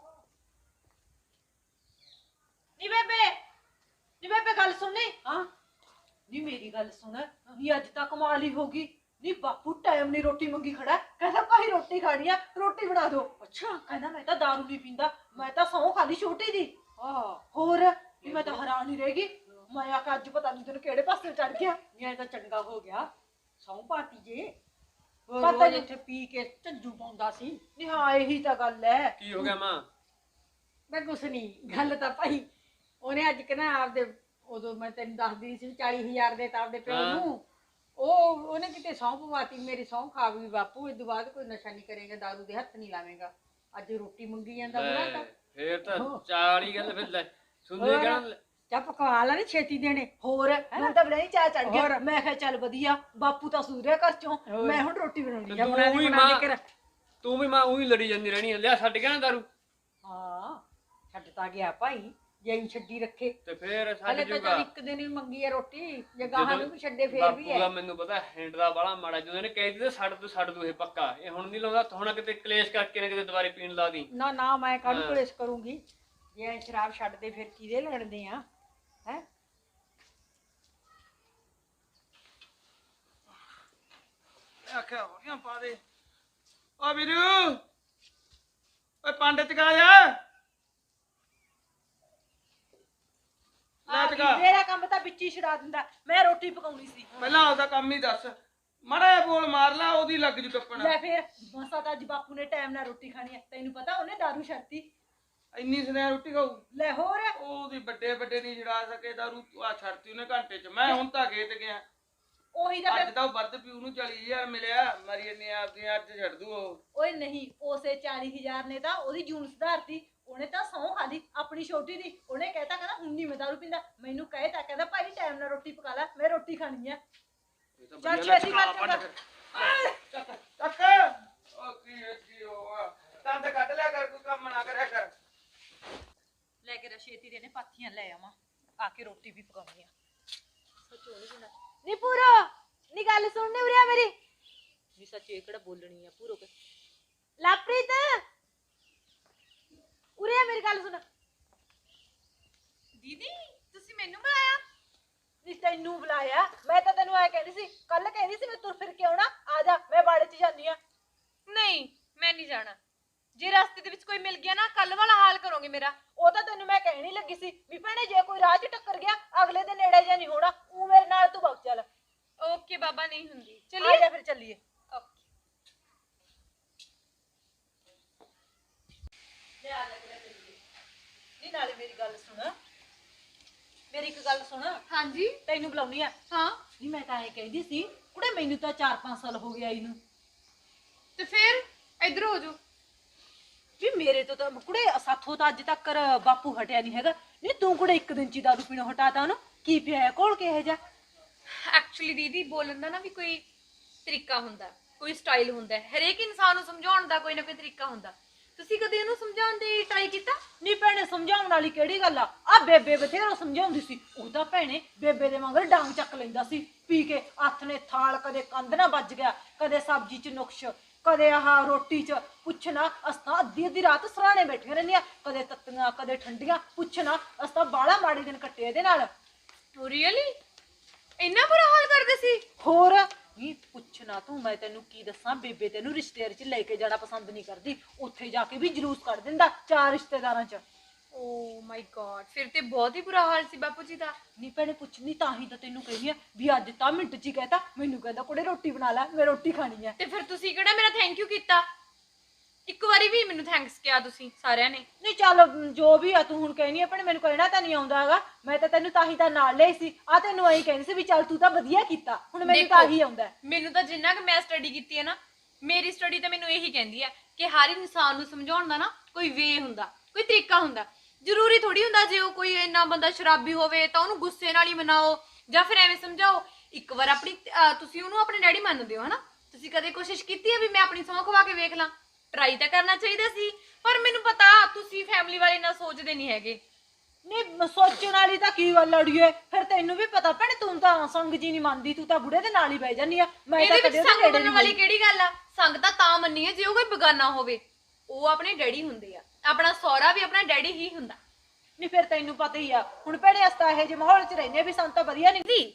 Speaker 1: ਨੀ ਬੇਬੇ ਨੀ ਬੇਬੇ ਗੱਲ ਸੁਣਨੀ। ਹਾਂ ਨੀ ਮੇਰੀ ਗੱਲ ਸੁਣ। ਨੀ ਅੱਜ ਤਾਂ ਕਮਾਲ ਹੀ ਹੋ ਗਈ। ਨੀ ਬਾਪੂ ਟਾਈਮ ਨਹੀਂ ਰੋਟੀ ਮੰਗੀ ਖੜਾ, ਕਹਿੰਦਾ ਭਾਈ ਰੋਟੀ ਖਾਣੀ ਆ, ਰੋਟੀ ਬਣਾ ਦਿਓ। ਅੱਛਾ ਕਹਿੰਦਾ ਮੈਂ ਤਾਂ ਦਾਰੂ ਨਹੀਂ ਪੀਂਦਾ, ਮੈਂ ਤਾਂ ਸਹੁੰ ਖਾਲੀ ਛੋਟੀ ਦੀ। ਆਹ ਹੋਰ ਨੀ ਮੈਂ ਤਾਂ ਹੈਰਾਨ ਹੀ ਰਹਿ ਗਈ। ਮੈਂ ਆਖਿਆ ਅੱਜ ਪਤਾ ਨਹੀਂ ਤੈਨੂੰ ਕਿਹੜੇ ਪਾਸੇ ਚੜ ਗਿਆ।
Speaker 2: ਇਹ ਤਾਂ ਚੰਗਾ ਹੋ ਗਿਆ, ਸੌਂ ਪਾਤੀ ਜੇ। ਉਹ
Speaker 1: ਪਤਾ
Speaker 2: ਰੋਜ਼
Speaker 1: ਨੀ-
Speaker 2: ਇੱਥੇ ਪੀ ਕੇ ਝੱਜੂ ਪਾਉਂਦਾ ਸੀ।
Speaker 1: ਨੀ ਹਾਂ ਇਹੀ ਤਾਂ ਗੱਲ ਹੈ।
Speaker 6: ਕੀ ਹੋ ਗਿਆ ਮਾਂ?
Speaker 2: ਮੈਂ ਕੁਛ ਨਹੀਂ, ਗੱਲ ਤਾਂ ਭਾਈ ਉਹਨੇ ਅੱਜ ਕਿ ਨਾ ਆਪਦੇ, ਉਦੋਂ ਮੈਂ ਤੈਨੂੰ ਦੱਸਦੀ ਸੀ ਚਾਲੀ ਹਜ਼ਾਰ ਦੇ ਤਾਂ ਆਪਦੇ ਪਿਓ
Speaker 6: ਹਾਂ।
Speaker 2: ਨੂੰ, ਉਹ ਉਹਨੇ ਕਿਤੇ ਸਹੁੰ ਪਵਾਤੀ, ਮੇਰੀ ਸਹੁੰ ਖਾ ਗਈ ਬਾਪੂ, ਇਸ ਤੋਂ ਬਾਅਦ ਕੋਈ ਨਸ਼ਾ ਨਹੀਂ ਕਰੇਗਾ, ਦਾਰੂ ਦੇ ਹੱਥ ਨਹੀਂ ਲਾਵੇਂਗਾ। ਅੱਜ ਰੋਟੀ ਮੰਗੀ ਜਾਂਦਾ ਬੁਰਾ ਤਾਂ।
Speaker 6: ਫੇਰ ਤਾਂ ਚਾਲੀ ਗੱਲ ਫਿਰ ਲੈ ਸੁਣਦੇ
Speaker 2: ਹੋਰ।
Speaker 6: ਕਹਿਣ
Speaker 2: ਚਾਹ ਪਕਵਾ ਲਾ ਨੀ ਛੇਤੀ ਦੇਣੇ।
Speaker 1: ਹੋਰ ਮੈਨੂੰ ਤਾਂ ਬੜਾ ਹੀ ਚਾਹ ਚੜ ਗਿਆ।
Speaker 2: ਹੋਰ।
Speaker 1: ਮੈਂ ਕਿਹਾ ਚੱਲ ਵਧੀਆ, ਬਾਪੂ ਤਾਂ ਸੂਰਿਆ ਘਰ ਚੋਂ,
Speaker 2: ਹੋਰ।
Speaker 1: ਮੈਂ ਹੁਣ ਰੋਟੀ ਬਣਾਉਣੀ ਆ।
Speaker 6: ਤੂੰ
Speaker 2: ਬਣਾ ਦੇ,
Speaker 6: ਵੀ
Speaker 2: ਬਣਾ ਦੇ
Speaker 6: ਮਾਂ
Speaker 2: ਕਰ।
Speaker 6: ਤੂੰ ਵੀ ਮਾਂ ਉਹੀ ਲੜੀ ਜਾਂਦੀ ਰਹਿਣੀ ਆ। ਲਿਆ ਛੱਡ ਗਿਆ ਨਾ ਦਾਰੂ,
Speaker 2: ਹਾਂ ਛੱਡ ਤਾਂ ਗਿਆ ਭਾਈ, ਜੇ ਅਸੀਂ ਛੱਡੀ ਰੱਖੇ।
Speaker 6: ਤੇ ਫੇਰ ਛੱਡ
Speaker 2: ਹਲੇ ਤਾਂ
Speaker 6: ਜੂਗਾ।
Speaker 2: ਚੱਲ ਇੱਕ ਦਿਨ ਹੀ ਮੰਗੀ ਹੈ ਰੋਟੀ, ਜੇ ਗਾਹਾਂ ਨੂੰ ਵੀ ਛੱਡੇ ਫੇਰ ਵੀ
Speaker 6: ਬਾਪੂ ਦਾ
Speaker 2: ਹੈ।
Speaker 6: ਮੈਨੂੰ ਪਤਾ ਹੈਂਡ ਦਾ ਬਾਲਾ ਮਾੜਾ, ਜਦੋਂ ਇਹਨੇ ਕਹਿ ਦਿੱਤਾ ਛੱਡ ਤੂੰ ਛੱਡ ਤੂੰ, ਇਹ ਪੱਕਾ ਇਹ ਹੁਣ ਨਹੀਂ ਲਾਉਂਦਾ। ਹੁਣ ਕਿਤੇ ਕਲੇਸ਼ ਕਰਕੇ ਨਾ ਕਿਤੇ ਦੁਬਾਰੇ ਪੀਣ ਲਾ ਦੀ।
Speaker 2: ਨਾ ਨਾ ਮੈਂ ਕਾਹਨੂੰ
Speaker 6: ਹਾਂ।
Speaker 2: ਕਲੇਸ਼ ਕਰੂੰਗੀ, ਜੇ ਅਸੀਂ ਸ਼ਰਾਬ ਛੱਡਦੇ ਫਿਰ ਕਿਹਦੇ ਲੜਦੇ ਆ ਹੈ।
Speaker 5: ਆਖਿਆ ਹੋਰੀਆਂ ਪਾ ਦੇ। ਓ ਵੀਰੂ, ਓਏ ਪੰਡਿਤ ਕਾ ਜਾ ਲੈ ਟਕਾ।
Speaker 1: ਮੇਰਾ ਕੰਮ ਤਾਂ ਵਿੱਚ ਹੀ ਛਡਾ ਦਿੰਦਾ। ਮੈਂ ਰੋਟੀ ਪਕਾਉਣੀ ਸੀ।
Speaker 5: ਪਹਿਲਾਂ ਆਪਦਾ ਕੰਮ ਹੀ ਦੱਸ, ਮਾੜਾ ਜਿਹਾ ਬੋਲ ਮਾਰ ਲਾ, ਉਹਦੀ ਲੱਗ ਜੂ ਟੱਪਣ।
Speaker 1: ਲੈ ਫੇਰ ਮਸਾ ਤਾਂ ਅੱਜ ਬਾਪੂ ਨੇ ਟਾਈਮ ਨਾਲ ਰੋਟੀ ਖਾਣੀ ਹੈ। ਤੈਨੂੰ ਪਤਾ ਉਹਨੇ ਦਾਰੂ ਛੱਡਤੀ।
Speaker 5: ਇੰਨੀ ਸਨੇਹ ਰੋਟੀ ਖਾਊ?
Speaker 1: ਲੈ ਹੋਰ
Speaker 5: ਉਹਦੀ ਵੱਡੇ ਵੱਡੇ ਨਹੀਂ ਛਡਾ ਸਕੇ ਦਾਰੂ, ਆ ਛੱਡਤੀ ਉਹਨੇ ਘੰਟੇ ਚ। ਮੈਂ ਹੁਣ ਤਾਂ ਖੇਤ ਗਿਆ,
Speaker 1: ਉਹੀ ਤਾਂ
Speaker 5: ਅੱਜ
Speaker 1: ਫਿਰ-
Speaker 5: ਤਾਂ ਉਹ ਵੱਧ ਪਿਓ ਨੂੰ ਚਾਲੀ ਹਜ਼ਾਰ ਮਿਲਿਆ, ਮਰੀ ਇੰਨੀ ਆਪਦੀ ਅੱਜ ਛੱਡ ਦੂ ਉਹ।
Speaker 1: ਓਏ ਨਹੀਂ, ਉਸੇ ਚਾਲੀ ਹਜ਼ਾਰ ਨੇ ਤਾਂ ਉਹਦੀ ਜੂਨ ਸੁਧਾਰਤੀ। ਉਹਨੇ ਤਾਂ ਸਹੁੰ ਖਾ ਲਈ ਆਪਣੀ ਛੋਟੀ ਦੀ। ਉਹਨੇ ਕਹਿਤਾ ਕਹਿੰਦਾ ਹੁਣ ਨਹੀਂ ਮੈਂ ਦਾਰੂ ਪੀਂਦਾ। ਮੈਨੂੰ ਕਹੇ ਤਾਂ ਕਹਿੰਦਾ ਭਾਈ ਟਾਈਮ ਨਾਲ ਰੋਟੀ ਪਕਾ ਲੈ, ਮੈਂ ਰੋਟੀ ਖਾਣੀ ਆ।
Speaker 5: ਇਹ ਤਾਂ
Speaker 1: ਚੱਲ
Speaker 5: ਵਧੀਆ
Speaker 1: ਛੇਤੀ
Speaker 5: ਲੱਗਾ
Speaker 1: ਕਰ
Speaker 5: ਪੰਡ
Speaker 1: ਚੰਗਾ।
Speaker 5: ਫਿਰ। ਚੱਕ ਚੱਕ। ਉਹ ਕੀ ਹੈ ਕੀ ਹੋਆ, ਦੰਦ ਕੱਢ ਲਿਆ ਕਰ, ਕੋਈ ਕੰਮ ਨਾ ਕਰਿਆ ਕਰ।
Speaker 1: ਲੈ ਕੇ ਰਸ਼ੇਤੀ ਦੇ ਨੇ ਪਾਥੀਆਂ ਲੈ ਆਵਾਂ, ਆ ਕੇ ਰੋਟੀ ਵੀ ਪਕਾਉਣੀ ਆ। ਨੀ ਪੂਰਾ ਨੀ ਗੱਲ ਸੁਣਨੇ ਉਰਿਆ ਮੇਰੀ। ਨੀ ਸੱਚੇ ਕਿਹੜਾ ਬੋਲਣੀ ਆ ਪੂਰੋ ਕੇ। ਲਾਪ੍ਰੀਤ ਉਰਿਆ ਮੇਰੀ ਗੱਲ ਸੁਣ।
Speaker 3: ਦੀਦੀ ਤੁਸੀਂ ਮੈਨੂੰ ਬੁਲਾਇਆ?
Speaker 1: ਨੀ ਤੈਨੂੰ ਬੁਲਾਇਆ? ਮੈਂ ਤਾਂ ਤੈਨੂੰ ਐ ਕਹਿੰਦੀ ਸੀ, ਕੱਲ ਕਹਿੰਦੀ ਸੀ ਮੈਂ ਤੁਰ ਫਿਰ ਕੇ ਆਉਣਾ, ਆ ਜਾ ਮੈਂ ਬਾੜੇ 'ਚ ਜਾਂਦੀ ਆ।
Speaker 3: ਨਹੀਂ ਮੈਂ ਨਹੀਂ ਜਾਣਾ। ਜੇ ਰਸਤੇ ਦੇ ਵਿੱਚ ਕੋਈ ਮਿਲ ਗਿਆ ਨਾ, ਕੱਲ ਵਾਲਾ ਹਾਲ ਕਰੋਗੇ ਮੇਰਾ।
Speaker 1: ਉਹ ਤਾਂ ਤੈਨੂੰ ਮੈਂ ਕਹਿਣੀ ਲੱਗੀ ਸੀ ਵੀ ਭੈਣੇ ਜੇ ਕੋਈ ਰਾਹ 'ਚ ਟੱਕਰ ਗਿਆ ਅਗਲੇ ਦੇ ਨੇੜੇ ਜਾਂ ਨਹੀਂ ਹੋਣਾ, ਉਹ ਮੇਰੇ ਨਾਲ ਤੂੰ ਵਗ ਚੱਲ।
Speaker 3: ਓਕੇ ਬਾਬਾ, ਨਹੀਂ ਹੁੰਦੀ।
Speaker 1: ਆ
Speaker 3: ਚਲਿਏ
Speaker 1: ਜਾ ਫਿਰ ਚੱਲੀਏ।
Speaker 3: ਓਕੇ।
Speaker 1: ਨੀ ਨਾਲੇ ਮੇਰੀ ਗੱਲ ਸੁਣ, ਮੇਰੀ ਇੱਕ ਗੱਲ ਸੁਣ,
Speaker 3: ਹਾਂਜੀ
Speaker 1: ਤੈਨੂੰ ਬੁਲਾਉਣੀ ਆ।
Speaker 3: ਹਾਂ।
Speaker 1: ਨਹੀਂ ਮੈਂ ਤਾਂ ਐ ਕਹਿੰਦੀ ਸੀ ਕੁੜੇ, ਮੈਨੂੰ ਤਾਂ ਚਾਰ ਪੰਜ ਸਾਲ ਹੋ ਗਏ ਆਈ ਨੂੰ।
Speaker 3: ਤੇ ਫਿਰ ਇੱਧਰ ਹੋ ਜਾਓ।
Speaker 1: ਵੀ ਮੇਰੇ ਤੋਂ ਤਾਂ ਕੁੜੇ ਸਾਥੋਂ ਤਾਂ ਅੱਜ ਤੱਕ ਬਾਪੂ ਹਟਿਆ ਨਹੀਂ ਹੈਗਾ। ਨਹੀਂ ਤੂੰ ਕੁੜੇ ਇੱਕ ਦਿਨ ਚ ਹੀ ਦਾਰੂ ਪੀਣੋਂ ਹਟਾਤਾ ਉਹਨੂੰ, ਕੀ ਪਿਆ ਕੋਲ ਕਿਹੋ ਜਿਹਾ?
Speaker 3: ਐਕਚੁਅਲੀ ਦੀਦੀ ਬੋਲਣ ਦਾ ਨਾ ਵੀ ਕੋਈ ਤਰੀਕਾ ਹੁੰਦਾ, ਕੋਈ ਸਟਾਈਲ ਹੁੰਦਾ ਹੈ। ਹਰੇਕ ਇਨਸਾਨ ਨੂੰ ਸਮਝਾਉਣ ਦਾ ਕੋਈ ਨਾ ਕੋਈ ਤਰੀਕਾ ਹੁੰਦਾ। ਤੁਸੀਂ ਕਦੇ ਉਹਨੂੰ ਸਮਝਾਉਣ ਦੀ ਟਰਾਈ ਕੀਤਾ?
Speaker 1: ਨਹੀਂ ਭੈਣੇ ਸਮਝਾਉਣ ਵਾਲੀ ਕਿਹੜੀ ਗੱਲ ਆ? ਆ ਬੇਬੇ ਬਥੇਰਾ ਸਮਝਾਉਂਦੀ ਸੀ। ਉਹ ਤਾਂ ਭੈਣੇ ਬੇਬੇ ਦੇ ਮਗਰ ਡਾਂਗ ਚੱਕ ਲੈਂਦਾ ਸੀ ਪੀ ਕੇ। ਹੱਥ ਨੇ ਥਾਲ ਕਦੇ ਕੰਧ ਨਾ ਵੱਜ ਗਿਆ, ਕਦੇ ਸਬਜ਼ੀ ਚ ਨੁਕਸ਼, ਕਦੇ ਆਹ ਰੋਟੀ ਚ। ਪੁੱਛਣਾ ਅਸਾਂ ਅੱਧੀ ਅੱਧੀ ਰਾਤ ਸਰਾਣੇ ਬੈਠੀਆਂ ਰਹਿੰਦੀਆਂ, ਕਦੇ ਤੱਤੀਆਂ ਕਦੇ ਠੰਡੀਆਂ। ਪੁੱਛਣਾ ਅਸਾਂ ਬਾਹਲਾ ਮਾੜੇ ਦਿਨ ਕੱਟੇ ਇਹਦੇ ਨਾਲ।
Speaker 3: ਰੀਅਲੀ ਇੰਨਾ ਬੁਰਾ ਹਾਲ ਕਰਦੇ ਸੀ?
Speaker 1: ਹੋਰ ਨਹੀਂ ਪੁੱਛਣਾ ਤੂੰ, ਮੈਂ ਤੈਨੂੰ ਕੀ ਦੱਸਾਂ, ਬੇਬੇ ਤੈਨੂੰ ਰਿਸ਼ਤੇਦਾਰ ਚ ਲੈ ਕੇ ਜਾਣਾ ਪਸੰਦ ਨਹੀਂ ਕਰਦੀ। ਉੱਥੇ ਜਾ ਕੇ ਵੀ ਜਲੂਸ ਕੱਢ ਦਿੰਦਾ ਚਾਰ ਰਿਸ਼ਤੇਦਾਰਾਂ ਚ।
Speaker 3: ਓ ਮਾਈ ਗॉड, ਫਿਰ ਤੇ ਬਹੁਤ ਹੀ ਬੁਰਾ ਹਾਲ ਸੀ ਬਾਪੂ ਜੀ ਦਾ।
Speaker 1: ਨਹੀਂ ਭੈਣੇ ਪੁੱਛਣੀ ਤਾਂ ਹੀ ਤਾਂ ਤੈਨੂੰ ਕਹਿੰਦੀ ਆ ਵੀ ਅੱਜ ਤਾਂ ਮਿੰਟ ਚ ਹੀ ਕਹਿਤਾ। ਮੈਨੂੰ ਕਹਿੰਦਾ ਕੁੜੇ ਰੋਟੀ ਬਣਾ ਲੈ, ਮੈਂ ਰੋਟੀ ਖਾਣੀ ਆ।
Speaker 3: ਤੇ ਫਿਰ ਤੁਸੀਂ ਕਿਹੜਾ ਮੇਰਾ ਥੈਂਕ ਯੂ ਕੀਤਾ? ਇੱਕ ਵਾਰੀ ਵੀ ਮੈਨੂੰ ਥੈਂਕਸ ਕਿਹਾ ਤੁਸੀਂ ਸਾਰਿਆਂ ਨੇ।
Speaker 1: ਨਹੀਂ ਚੱਲ ਜੋ ਵੀ ਆ ਤੂੰ ਹੁਣ ਕਹਿਣੀ ਆ ਭੈਣੇ, ਮੈਨੂੰ ਕਹਿਣਾ ਤਾਂ ਨਹੀਂ ਆਉਂਦਾ ਹੈਗਾ, ਮੈਂ ਤਾਂ ਤੈਨੂੰ ਤਾਂ ਹੀ ਤਾਂ ਨਾਲ ਲਈ ਸੀ ਆ, ਤੈਨੂੰ ਐਂ ਕਹਿੰਦੀ ਸੀ ਵੀ ਚੱਲ ਤੂੰ ਤਾਂ ਵਧੀਆ ਕੀਤਾ, ਹੁਣ ਮੈਨੂੰ ਤਾਂ
Speaker 3: ਦੇਖੋ,
Speaker 1: ਆਹੀ ਆਉਂਦਾ।
Speaker 3: ਮੈਨੂੰ ਤਾਂ ਜਿੰਨਾ ਕਿ ਮੈਂ ਸਟੱਡੀ ਕੀਤੀ ਹੈ ਨਾ, ਮੇਰੀ ਸਟੱਡੀ ਤਾਂ ਮੈਨੂੰ ਇਹੀ ਕਹਿੰਦੀ ਹੈ ਕਿ ਹਰ ਇਨਸਾਨ ਨੂੰ ਸਮਝਾਉਣ ਦਾ ਨਾ ਕੋਈ ਵੇ ਹੁੰਦਾ, ਕੋਈ ਤਰੀਕਾ ਹੁੰਦਾ। ਜ਼ਰੂਰੀ ਥੋੜੀ ਹੁੰਦਾ ਜੇ ਉਹ ਕੋਈ ਇੰਨਾ ਬੰਦਾ ਸ਼ਰਾਬੀ ਹੋਵੇ ਤਾਂ ਉਹਨੂੰ ਗੁੱਸੇ ਨਾਲ ਹੀ ਮਨਾਓ ਜਾਂ ਫਿਰ ਐਵੇਂ ਸਮਝਾਓ। ਇੱਕ ਵਾਰ ਆਪਣੀ ਅਹ ਤੁਸੀਂ ਉਹਨੂੰ ਆਪਣੇ ਡੈਡੀ ਮੰਨਦੇ ਹੋ ਹਨਾ, ਤੁਸੀਂ ਕਦੇ ਕੋਸ਼ਿਸ਼ ਕੀਤੀ ਹੈ ਵੀ ਮੈਂ ਆਪਣੀ ਸਹੁੰ ਖਵਾ ਕੇ ਵੇਖ ਲਾਂ? ਟਰਾਈ ਤਾਂ ਕਰਨਾ ਚਾਹੀਦਾ ਸੀ, ਪਰ ਮੈਨੂੰ ਪਤਾ ਤੁਸੀਂ ਫੈਮਿਲੀ ਵਾਲੇ ਨਾਲ ਸੋਚਦੇ ਨਹੀਂ ਹੈਗੇ।
Speaker 1: ਨਹੀਂ ਸੋਚਣ ਵਾਲੀ ਤਾਂ ਕੀ ਗੱਲ ਅੜੀਏ, ਫਿਰ ਤੈਨੂੰ ਵੀ ਪਤਾ ਭੈਣੇ, ਤੂੰ ਤਾਂ ਸੰਗ ਜੀ ਨਹੀਂ ਮੰਨਦੀ, ਤੂੰ ਤਾਂ ਬੁੜੇ ਦੇ ਨਾਲ ਹੀ ਬਹਿ ਜਾਂਦੀ ਆ। ਮੈਂ ਤਾਂ
Speaker 3: ਇਹਦੇ
Speaker 1: ਕਦੇ
Speaker 3: ਵਿੱਚ
Speaker 1: ਉਹਦੇ
Speaker 3: ਸੰਗ
Speaker 1: ਨੇੜੇ
Speaker 3: ਮੰਨਣ
Speaker 1: ਨਹੀਂ
Speaker 3: ਵਾਲੀ
Speaker 1: ਗਈ।
Speaker 3: ਕਿਹੜੀ ਗੱਲ ਆ? ਸੰਗ ਤਾਂ ਤਾਂ ਮੰਨੀ ਹੈ ਜੇ ਉਹ ਕੋਈ ਬੇਗਾਨਾ ਹੋਵੇ। ਉਹ ਆਪਣੇ ਡੈਡੀ ਹੁੰਦੇ ਆ, ਆਪਣਾ ਸਹੁਰਾ ਵੀ ਆਪਣਾ ਡੈਡੀ ਹੀ ਹੁੰਦਾ।
Speaker 1: ਨਹੀਂ ਫਿਰ ਤੈਨੂੰ ਪਤਾ ਹੀ ਆ, ਹੁਣ ਭੈਣੇ ਅਸਤਾ ਇਹੋ ਜਿਹੇ ਮਾਹੌਲ 'ਚ ਰਹਿੰਦੇ ਵੀ ਸਾਨੂੰ ਤਾਂ ਵਧੀਆ ਨਹੀਂ।
Speaker 3: ਜੀ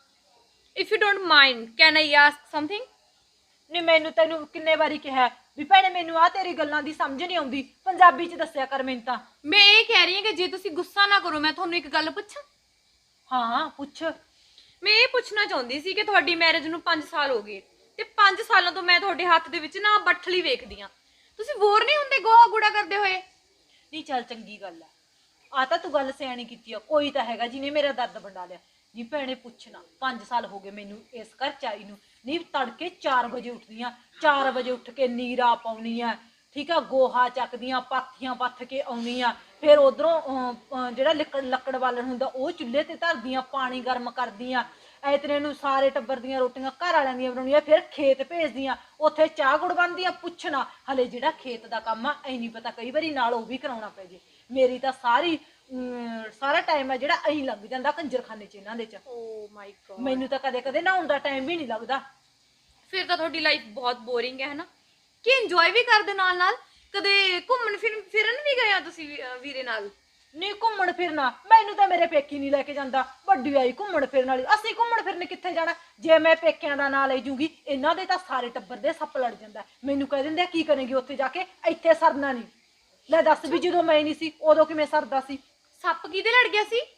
Speaker 3: if you don't mind can I ask something?
Speaker 1: ਨਹੀਂ ਮੈਨੂੰ ਤੈਨੂੰ ਕਿੰਨੇ ਵਾਰੀ ਕਿਹਾ ਵੀ ਭੈਣੇ ਮੈਨੂੰ ਆ ਤੇਰੀ ਗੱਲਾਂ ਦੀ ਸਮਝ ਨਹੀਂ ਆਉਂਦੀ, ਪੰਜਾਬੀ 'ਚ ਦੱਸਿਆ ਕਰ ਮੈਨੂੰ ਤਾਂ।
Speaker 3: ਮੈਂ ਇਹ ਕਹਿ ਰਹੀ ਹਾਂ ਕਿ ਜੇ ਤੁਸੀਂ ਗੁੱਸਾ ਨਾ ਕਰੋ, ਮੈਂ ਤੁਹਾਨੂੰ ਇੱਕ ਗੱਲ ਪੁੱਛਾਂ?
Speaker 1: ਹਾਂ ਪੁੱਛ।
Speaker 3: ਮੈਂ ਇਹ ਪੁੱਛਣਾ ਚਾਹੁੰਦੀ ਸੀ ਕਿ ਤੁਹਾਡੀ ਮੈਰਿਜ ਨੂੰ ਪੰਜ ਸਾਲ ਹੋ ਗਏ ਤੇ ਪੰਜ ਸਾਲਾਂ ਤੋਂ ਮੈਂ ਤੁਹਾਡੇ ਹੱਥ ਦੇ ਵਿੱਚ ਨਾ ਬੱਠਲੀ ਵੇਖਦੀ ਆ। ਤੁਸੀਂ ਬੋਰ ਨਹੀਂ ਹੁੰਦੇ ਗੋਹਾ ਗੂੜਾ ਕਰਦੇ ਹੋਏ?
Speaker 1: ਨਹੀਂ ਚੱਲ ਚੰਗੀ ਗੱਲ ਆ, ਆ ਤਾਂ ਤੂੰ ਗੱਲ ਸਿਆਣੀ ਕੀਤੀ ਆ, ਕੋਈ ਤਾਂ ਹੈਗਾ ਜਿਹਨੇ ਮੇਰਾ ਦਰਦ ਵੰਡਾ ਲਿਆ। ਨੀ ਭੈਣੇ ਪੁੱਛਣਾ, ਪੰਜ ਸਾਲ ਹੋ ਗਏ ਮੈਨੂੰ ਇਸ ਘਰ ਚ ਆਈ ਨੂੰ। ਨੀ ਤੜਕੇ ਚਾਰ ਵਜੇ ਉੱਠਦੀ ਆ, ਚਾਰ ਵਜੇ ਉੱਠ ਕੇ ਨੀਰਾ ਪਾਉਣੀ ਆ, ਠੀਕ ਆ, ਗੋਹਾ ਚੱਕਦੀਆਂ, ਪਾਥੀਆਂ ਪੱਥ ਕੇ ਆਉਣੀ ਆ, ਫਿਰ ਉਧਰੋਂ ਜਿਹੜਾ ਲੱਕੜ ਲੱਕੜ ਬਾਲਣ ਹੁੰਦਾ ਉਹ ਚੁੱਲ੍ਹੇ ਤੇ ਧਰਦੀਆਂ, ਪਾਣੀ ਗਰਮ ਕਰਦੀਆਂ, ਇਤਨੇ ਨੂੰ ਸਾਰੇ ਟੱਬਰ ਦੀਆਂ ਰੋਟੀਆਂ ਘਰ ਵਾਲਿਆਂ ਦੀਆਂ ਬਣਾਉਣੀਆਂ, ਫਿਰ ਖੇਤ ਭੇਜਦੀਆਂ, ਉੱਥੇ ਚਾਹ ਗੁੜ ਬਣਦੀਆਂ। ਪੁੱਛਣਾ ਹਲੇ ਜਿਹੜਾ ਖੇਤ ਦਾ ਕੰਮ ਆ ਐ ਨਹੀਂ ਪਤਾ, ਕਈ ਵਾਰੀ ਨਾਲ ਉਹ ਵੀ ਕਰਾਉਣਾ ਪੈ ਜੇ। ਮੇਰੀ ਤਾਂ ਸਾਰੀ ਸਾਰਾ ਟਾਈਮ ਆ ਜਿਹੜਾ ਐਂ ਲੰਘ ਜਾਂਦਾ ਕੰਜਰਖਾਨੇ 'ਚ ਇਹਨਾਂ ਦੇ 'ਚ।
Speaker 3: ਓ ਮਾਈ ਗॉड,
Speaker 1: ਮੈਨੂੰ ਤਾਂ ਕਦੇ ਕਦੇ ਨਹਾਉਣ ਦਾ ਟਾਈਮ ਵੀ ਨਹੀਂ ਲੱਗਦਾ।
Speaker 3: ਫਿਰ ਤਾਂ ਤੁਹਾਡੀ ਲਾਈਫ ਬਹੁਤ ਬੋਰਿੰਗ ਹੈ ਹਨਾ? ਕਿ ਇੰਜੋਏ ਵੀ ਕਰਦੇ ਨਾਲ ਨਾਲ? ਕਦੇ ਘੁੰਮਣ ਫਿਰ ਫਿਰਨ ਵੀ ਗਏ ਆ ਤੁਸੀਂ ਵੀ- ਅਹ ਵੀਰੇ ਨਾਲ?
Speaker 1: ਨਹੀਂ ਘੁੰਮਣ ਫਿਰਨਾ ਮੈਨੂੰ ਤਾਂ ਮੇਰੇ ਪੇਕੀ ਨਹੀਂ ਲੈ ਕੇ ਜਾਂਦਾ, ਵੱਡੀ ਆਈ ਘੁੰਮਣ ਫਿਰਨ ਵਾਲੀ। ਅਸੀਂ ਘੁੰਮਣ ਫਿਰਨ ਕਿੱਥੇ ਜਾਣਾ? ਜੇ ਮੈਂ ਪੇਕਿਆਂ ਦਾ ਨਾਂ ਲੈ ਜੂਗੀ ਇਹਨਾਂ ਦੇ ਤਾਂ ਸਾਰੇ ਟੱਬਰ ਦੇ ਸੱਪ ਲੜ ਜਾਂਦਾ। ਮੈਨੂੰ ਕਹਿ ਦਿੰਦੇ ਕੀ ਕਰੇਗੀ ਉੱਥੇ ਜਾ ਕੇ, ਇੱਥੇ ਸਰਨਾ ਨਹੀਂ। ਲੈ ਦੱਸ ਵੀ ਜਦੋਂ ਮੈਂ ਨਹੀਂ ਸੀ ਉਦੋਂ ਕਿਵੇਂ ਸਰਦਾ ਸੀ?
Speaker 3: ਸੱਪ ਕਿਹਦੇ ਲੜ ਗਿਆ ਸੀ?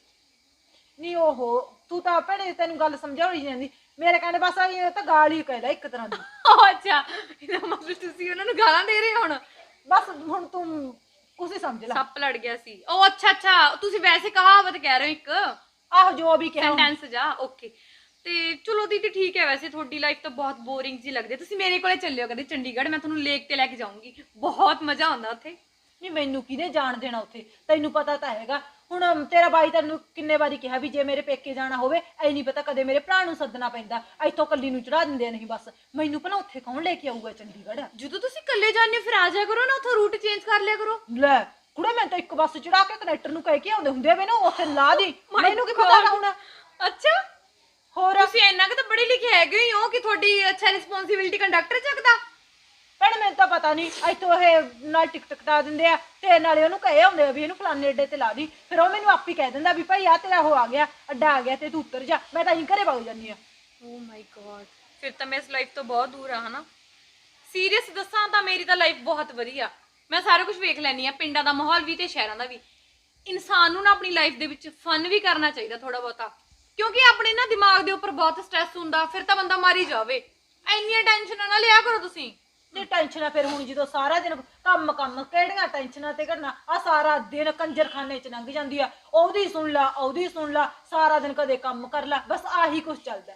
Speaker 1: ਨਹੀਂ ਓਹੋ ਤੂੰ ਤਾਂ ਭੈਣੇ ਤੈਨੂੰ ਗੱਲ ਸਮਝਾਉਣੀ ਜਾਂਦੀ, ਮੇਰੇ ਕਹਿੰਦੇ ਬਸ ਇਹ ਤਾਂ ਗਾਲ ਹੀ ਕਹਿ ਲੈ ਇੱਕ ਤਰ੍ਹਾਂ ਦੀ।
Speaker 3: ਓ ਅੱਛਾ, ਇਹਦਾ ਮਤਲਬ ਤੁਸੀਂ ਉਹਨਾਂ ਨੂੰ ਗਾਲਾਂ ਦੇ ਰਹੇ ਹੋ ਹੁਣ?
Speaker 1: ਬਸ ਹੁਣ ਤੂੰ ਕੁਛ ਹੀ ਸਮਝ ਲੈ।
Speaker 3: ਸੱਪ ਲੜ ਗਿਆ ਸੀ। ਓ ਅੱਛਾ ਅੱਛਾ, ਤੁਸੀਂ ਵੈਸੇ ਕਹਾਵਤ ਕਹਿ ਰਹੇ ਹੋ ਇੱਕ
Speaker 1: ਆਹੋ ਜੋ ਵੀ ਕਿਹਾ।
Speaker 3: ਸੈਂਟੈਂਸ ਜਾ। ਓਕੇ, ਤੇ ਚਲੋ ਦੀਦੀ ਠੀਕ ਹੈ। ਵੈਸੇ ਤੁਹਾਡੀ ਲਾਈਫ ਤਾਂ ਬਹੁਤ ਬੋਰਿੰਗ ਜੀ ਲੱਗਦੀ ਹੈ। ਤੁਸੀਂ ਮੇਰੇ ਕੋਲੇ ਚੱਲਿਓ ਕਦੇ ਚੰਡੀਗੜ੍ਹ, ਮੈਂ ਤੁਹਾਨੂੰ ਲੇਕ ਤੇ ਲੈ ਕੇ ਜਾਊਂਗੀ, ਬਹੁਤ ਮਜ਼ਾ ਆਉਂਦਾ ਉੱਥੇ।
Speaker 1: ਨਹੀਂ ਮੈਨੂੰ ਕਿਹਨੇ ਜਾਣ ਦੇਣਾ ਉੱਥੇ, ਤੈਨੂੰ ਪਤਾ ਤਾਂ ਹੈਗਾ। ਹੁਣ ਤੇਰਾ ਬਾਈ ਤੈਨੂੰ ਕਿੰਨੇ ਵਾਰੀ ਕਿਹਾ ਵੀ ਜੇ ਮੇਰੇ ਪੇਕੇ ਜਾਣਾ ਹੋਵੇ ਐ ਨਹੀਂ ਪਤਾ ਕਦੇ ਮੇਰੇ ਭਰਾ ਨੂੰ ਸੱਦਣਾ ਪੈਂਦਾ, ਇੱਥੋਂ ਕੱਲੀ ਨੂੰ ਚੜਾ ਦਿੰਦੇ ਨਹੀਂ ਬਸ। ਮੈਨੂੰ ਭਲਾ ਉੱਥੇ ਕੌਣ ਲੈ ਕੇ ਆਊਗਾ ਚੰਡੀਗੜ੍ਹ?
Speaker 3: ਜਦੋਂ ਤੁਸੀਂ ਇਕੱਲੇ ਜਾਂਦੇ ਹੋ ਫਿਰ ਆ ਜਾਇਆ ਕਰੋ ਨਾ, ਉੱਥੋਂ ਰੂਟ ਚੇਂਜ ਕਰ ਲਿਆ ਕਰੋ।
Speaker 1: ਲੈ ਕੁੜੇ ਮੈਂ ਤਾਂ ਇੱਕ ਬੱਸ ਚੜਾ ਕੇ ਕਨੈਕਟਰ ਨੂੰ ਕਹਿ ਕੇ ਆਉਂਦੇ ਹੁੰਦੇ ਵੇ ਨਾ ਉੱਥੇ ਲਾ ਦੀ, ਮੈਨੂੰ ਕੀ ਪਤਾ ਹੁਣ।
Speaker 3: ਅੱਛਾ,
Speaker 1: ਹੋਰ
Speaker 3: ਤੁਸੀਂ ਇੰਨਾ ਕਿ ਤਾਂ ਪੜ੍ਹੇ ਲਿਖੇ ਹੈਗੇ ਹੀ ਹੋ ਕਿ ਤੁਹਾਡੀ ਅੱਛਾ ਰਿਸਪੌਂਸਿਬਿਲਟੀ ਕੰਡਕਟਰ ਚੱਕਦਾ।
Speaker 1: ਭੈਣ ਮੈਨੂੰ ਤਾਂ ਪਤਾ ਨਹੀਂ, ਇੱਥੋਂ ਇਹ ਨਾਲ ਟਿਕਟ ਕਟਾ ਦਿੰਦੇ ਆ ਤੇ ਨਾਲੇ ਉਹਨੂੰ ਕਹੇ ਆਉਂਦੇ ਆ ਵੀ ਇਹਨੂੰ ਫਲਾਣੇ ਅੱਡੇ ਤੇ ਲਾ ਦੀ, ਫਿਰ ਉਹ ਮੈਨੂੰ ਆਪ ਹੀ ਕਹਿ ਦਿੰਦਾ ਵੀ ਭਾਈ ਆ ਤੇਰਾ ਉਹ ਆ ਗਿਆ ਅੱਡਾ ਆ ਗਿਆ ਤੇ ਤੂੰ ਉੱਤਰ ਜਾ। ਮੈਂ ਤਾਂ ਇਹੀ ਘਰੇ ਵਗ ਜਾਂਦੀ ਆ।
Speaker 3: ਓ ਮਾਈ ਗॉड, ਫਿਰ ਤਾਂ ਮੈਂ ਇਸ ਲਾਈਫ ਤੋਂ ਬਹੁਤ ਦੂਰ ਆ ਹਨਾ? ਸੀਰੀਅਸ ਦੱਸਾਂ ਤਾਂ ਮੇਰੀ ਤਾਂ ਲਾਈਫ ਬਹੁਤ ਵਧੀਆ, ਮੈਂ ਸਾਰਾ ਕੁਝ ਵੇਖ ਲੈਣੀ ਆ, ਪਿੰਡਾਂ ਦਾ ਮਾਹੌਲ ਵੀ ਤੇ ਸ਼ਹਿਰਾਂ ਦਾ ਵੀ। ਇਨਸਾਨ ਨੂੰ ਨਾ ਆਪਣੀ ਲਾਈਫ ਦੇ ਵਿੱਚ ਫਨ ਵੀ ਕਰਨਾ ਚਾਹੀਦਾ ਥੋੜਾ ਬਹੁਤਾ, ਕਿਉਂਕਿ ਆਪਣੇ ਨਾ ਦਿਮਾਗ ਦੇ ਉੱਪਰ ਬਹੁਤ ਸਟ੍ਰੈਸ ਹੁੰਦਾ, ਫਿਰ ਤਾਂ ਬੰਦਾ ਮਰ ਹੀ ਜਾਵੇ। ਇੰਨੀਆਂ ਟੈਨਸ਼ਨਾਂ ਨਾ ਲਿਆ ਕਰੋ ਤੁਸੀਂ।
Speaker 1: ਨਹੀਂ ਟੈਨਸ਼ਨਾਂ ਫਿਰ ਹੁਣ ਜਦੋਂ ਸਾਰਾ ਦਿਨ ਕੰਮ ਕੰਮ ਕਿਹੜੀਆਂ ਟੈਨਸ਼ਨਾਂ ਤੇ ਕਰਨਾ, ਆ ਸਾਰਾ ਦਿਨ ਕੰਜਰਖਾਨੇ 'ਚ ਲੰਘ ਜਾਂਦੀ ਆ, ਉਹਦੀ ਸੁਣ ਲਾ ਉਹਦੀ ਸੁਣ ਲਾ, ਸਾਰਾ ਦਿਨ ਕਦੇ ਕੰਮ ਕਰ ਲਾ, ਬਸ ਆਹੀ ਕੁਝ ਚੱਲਦਾ।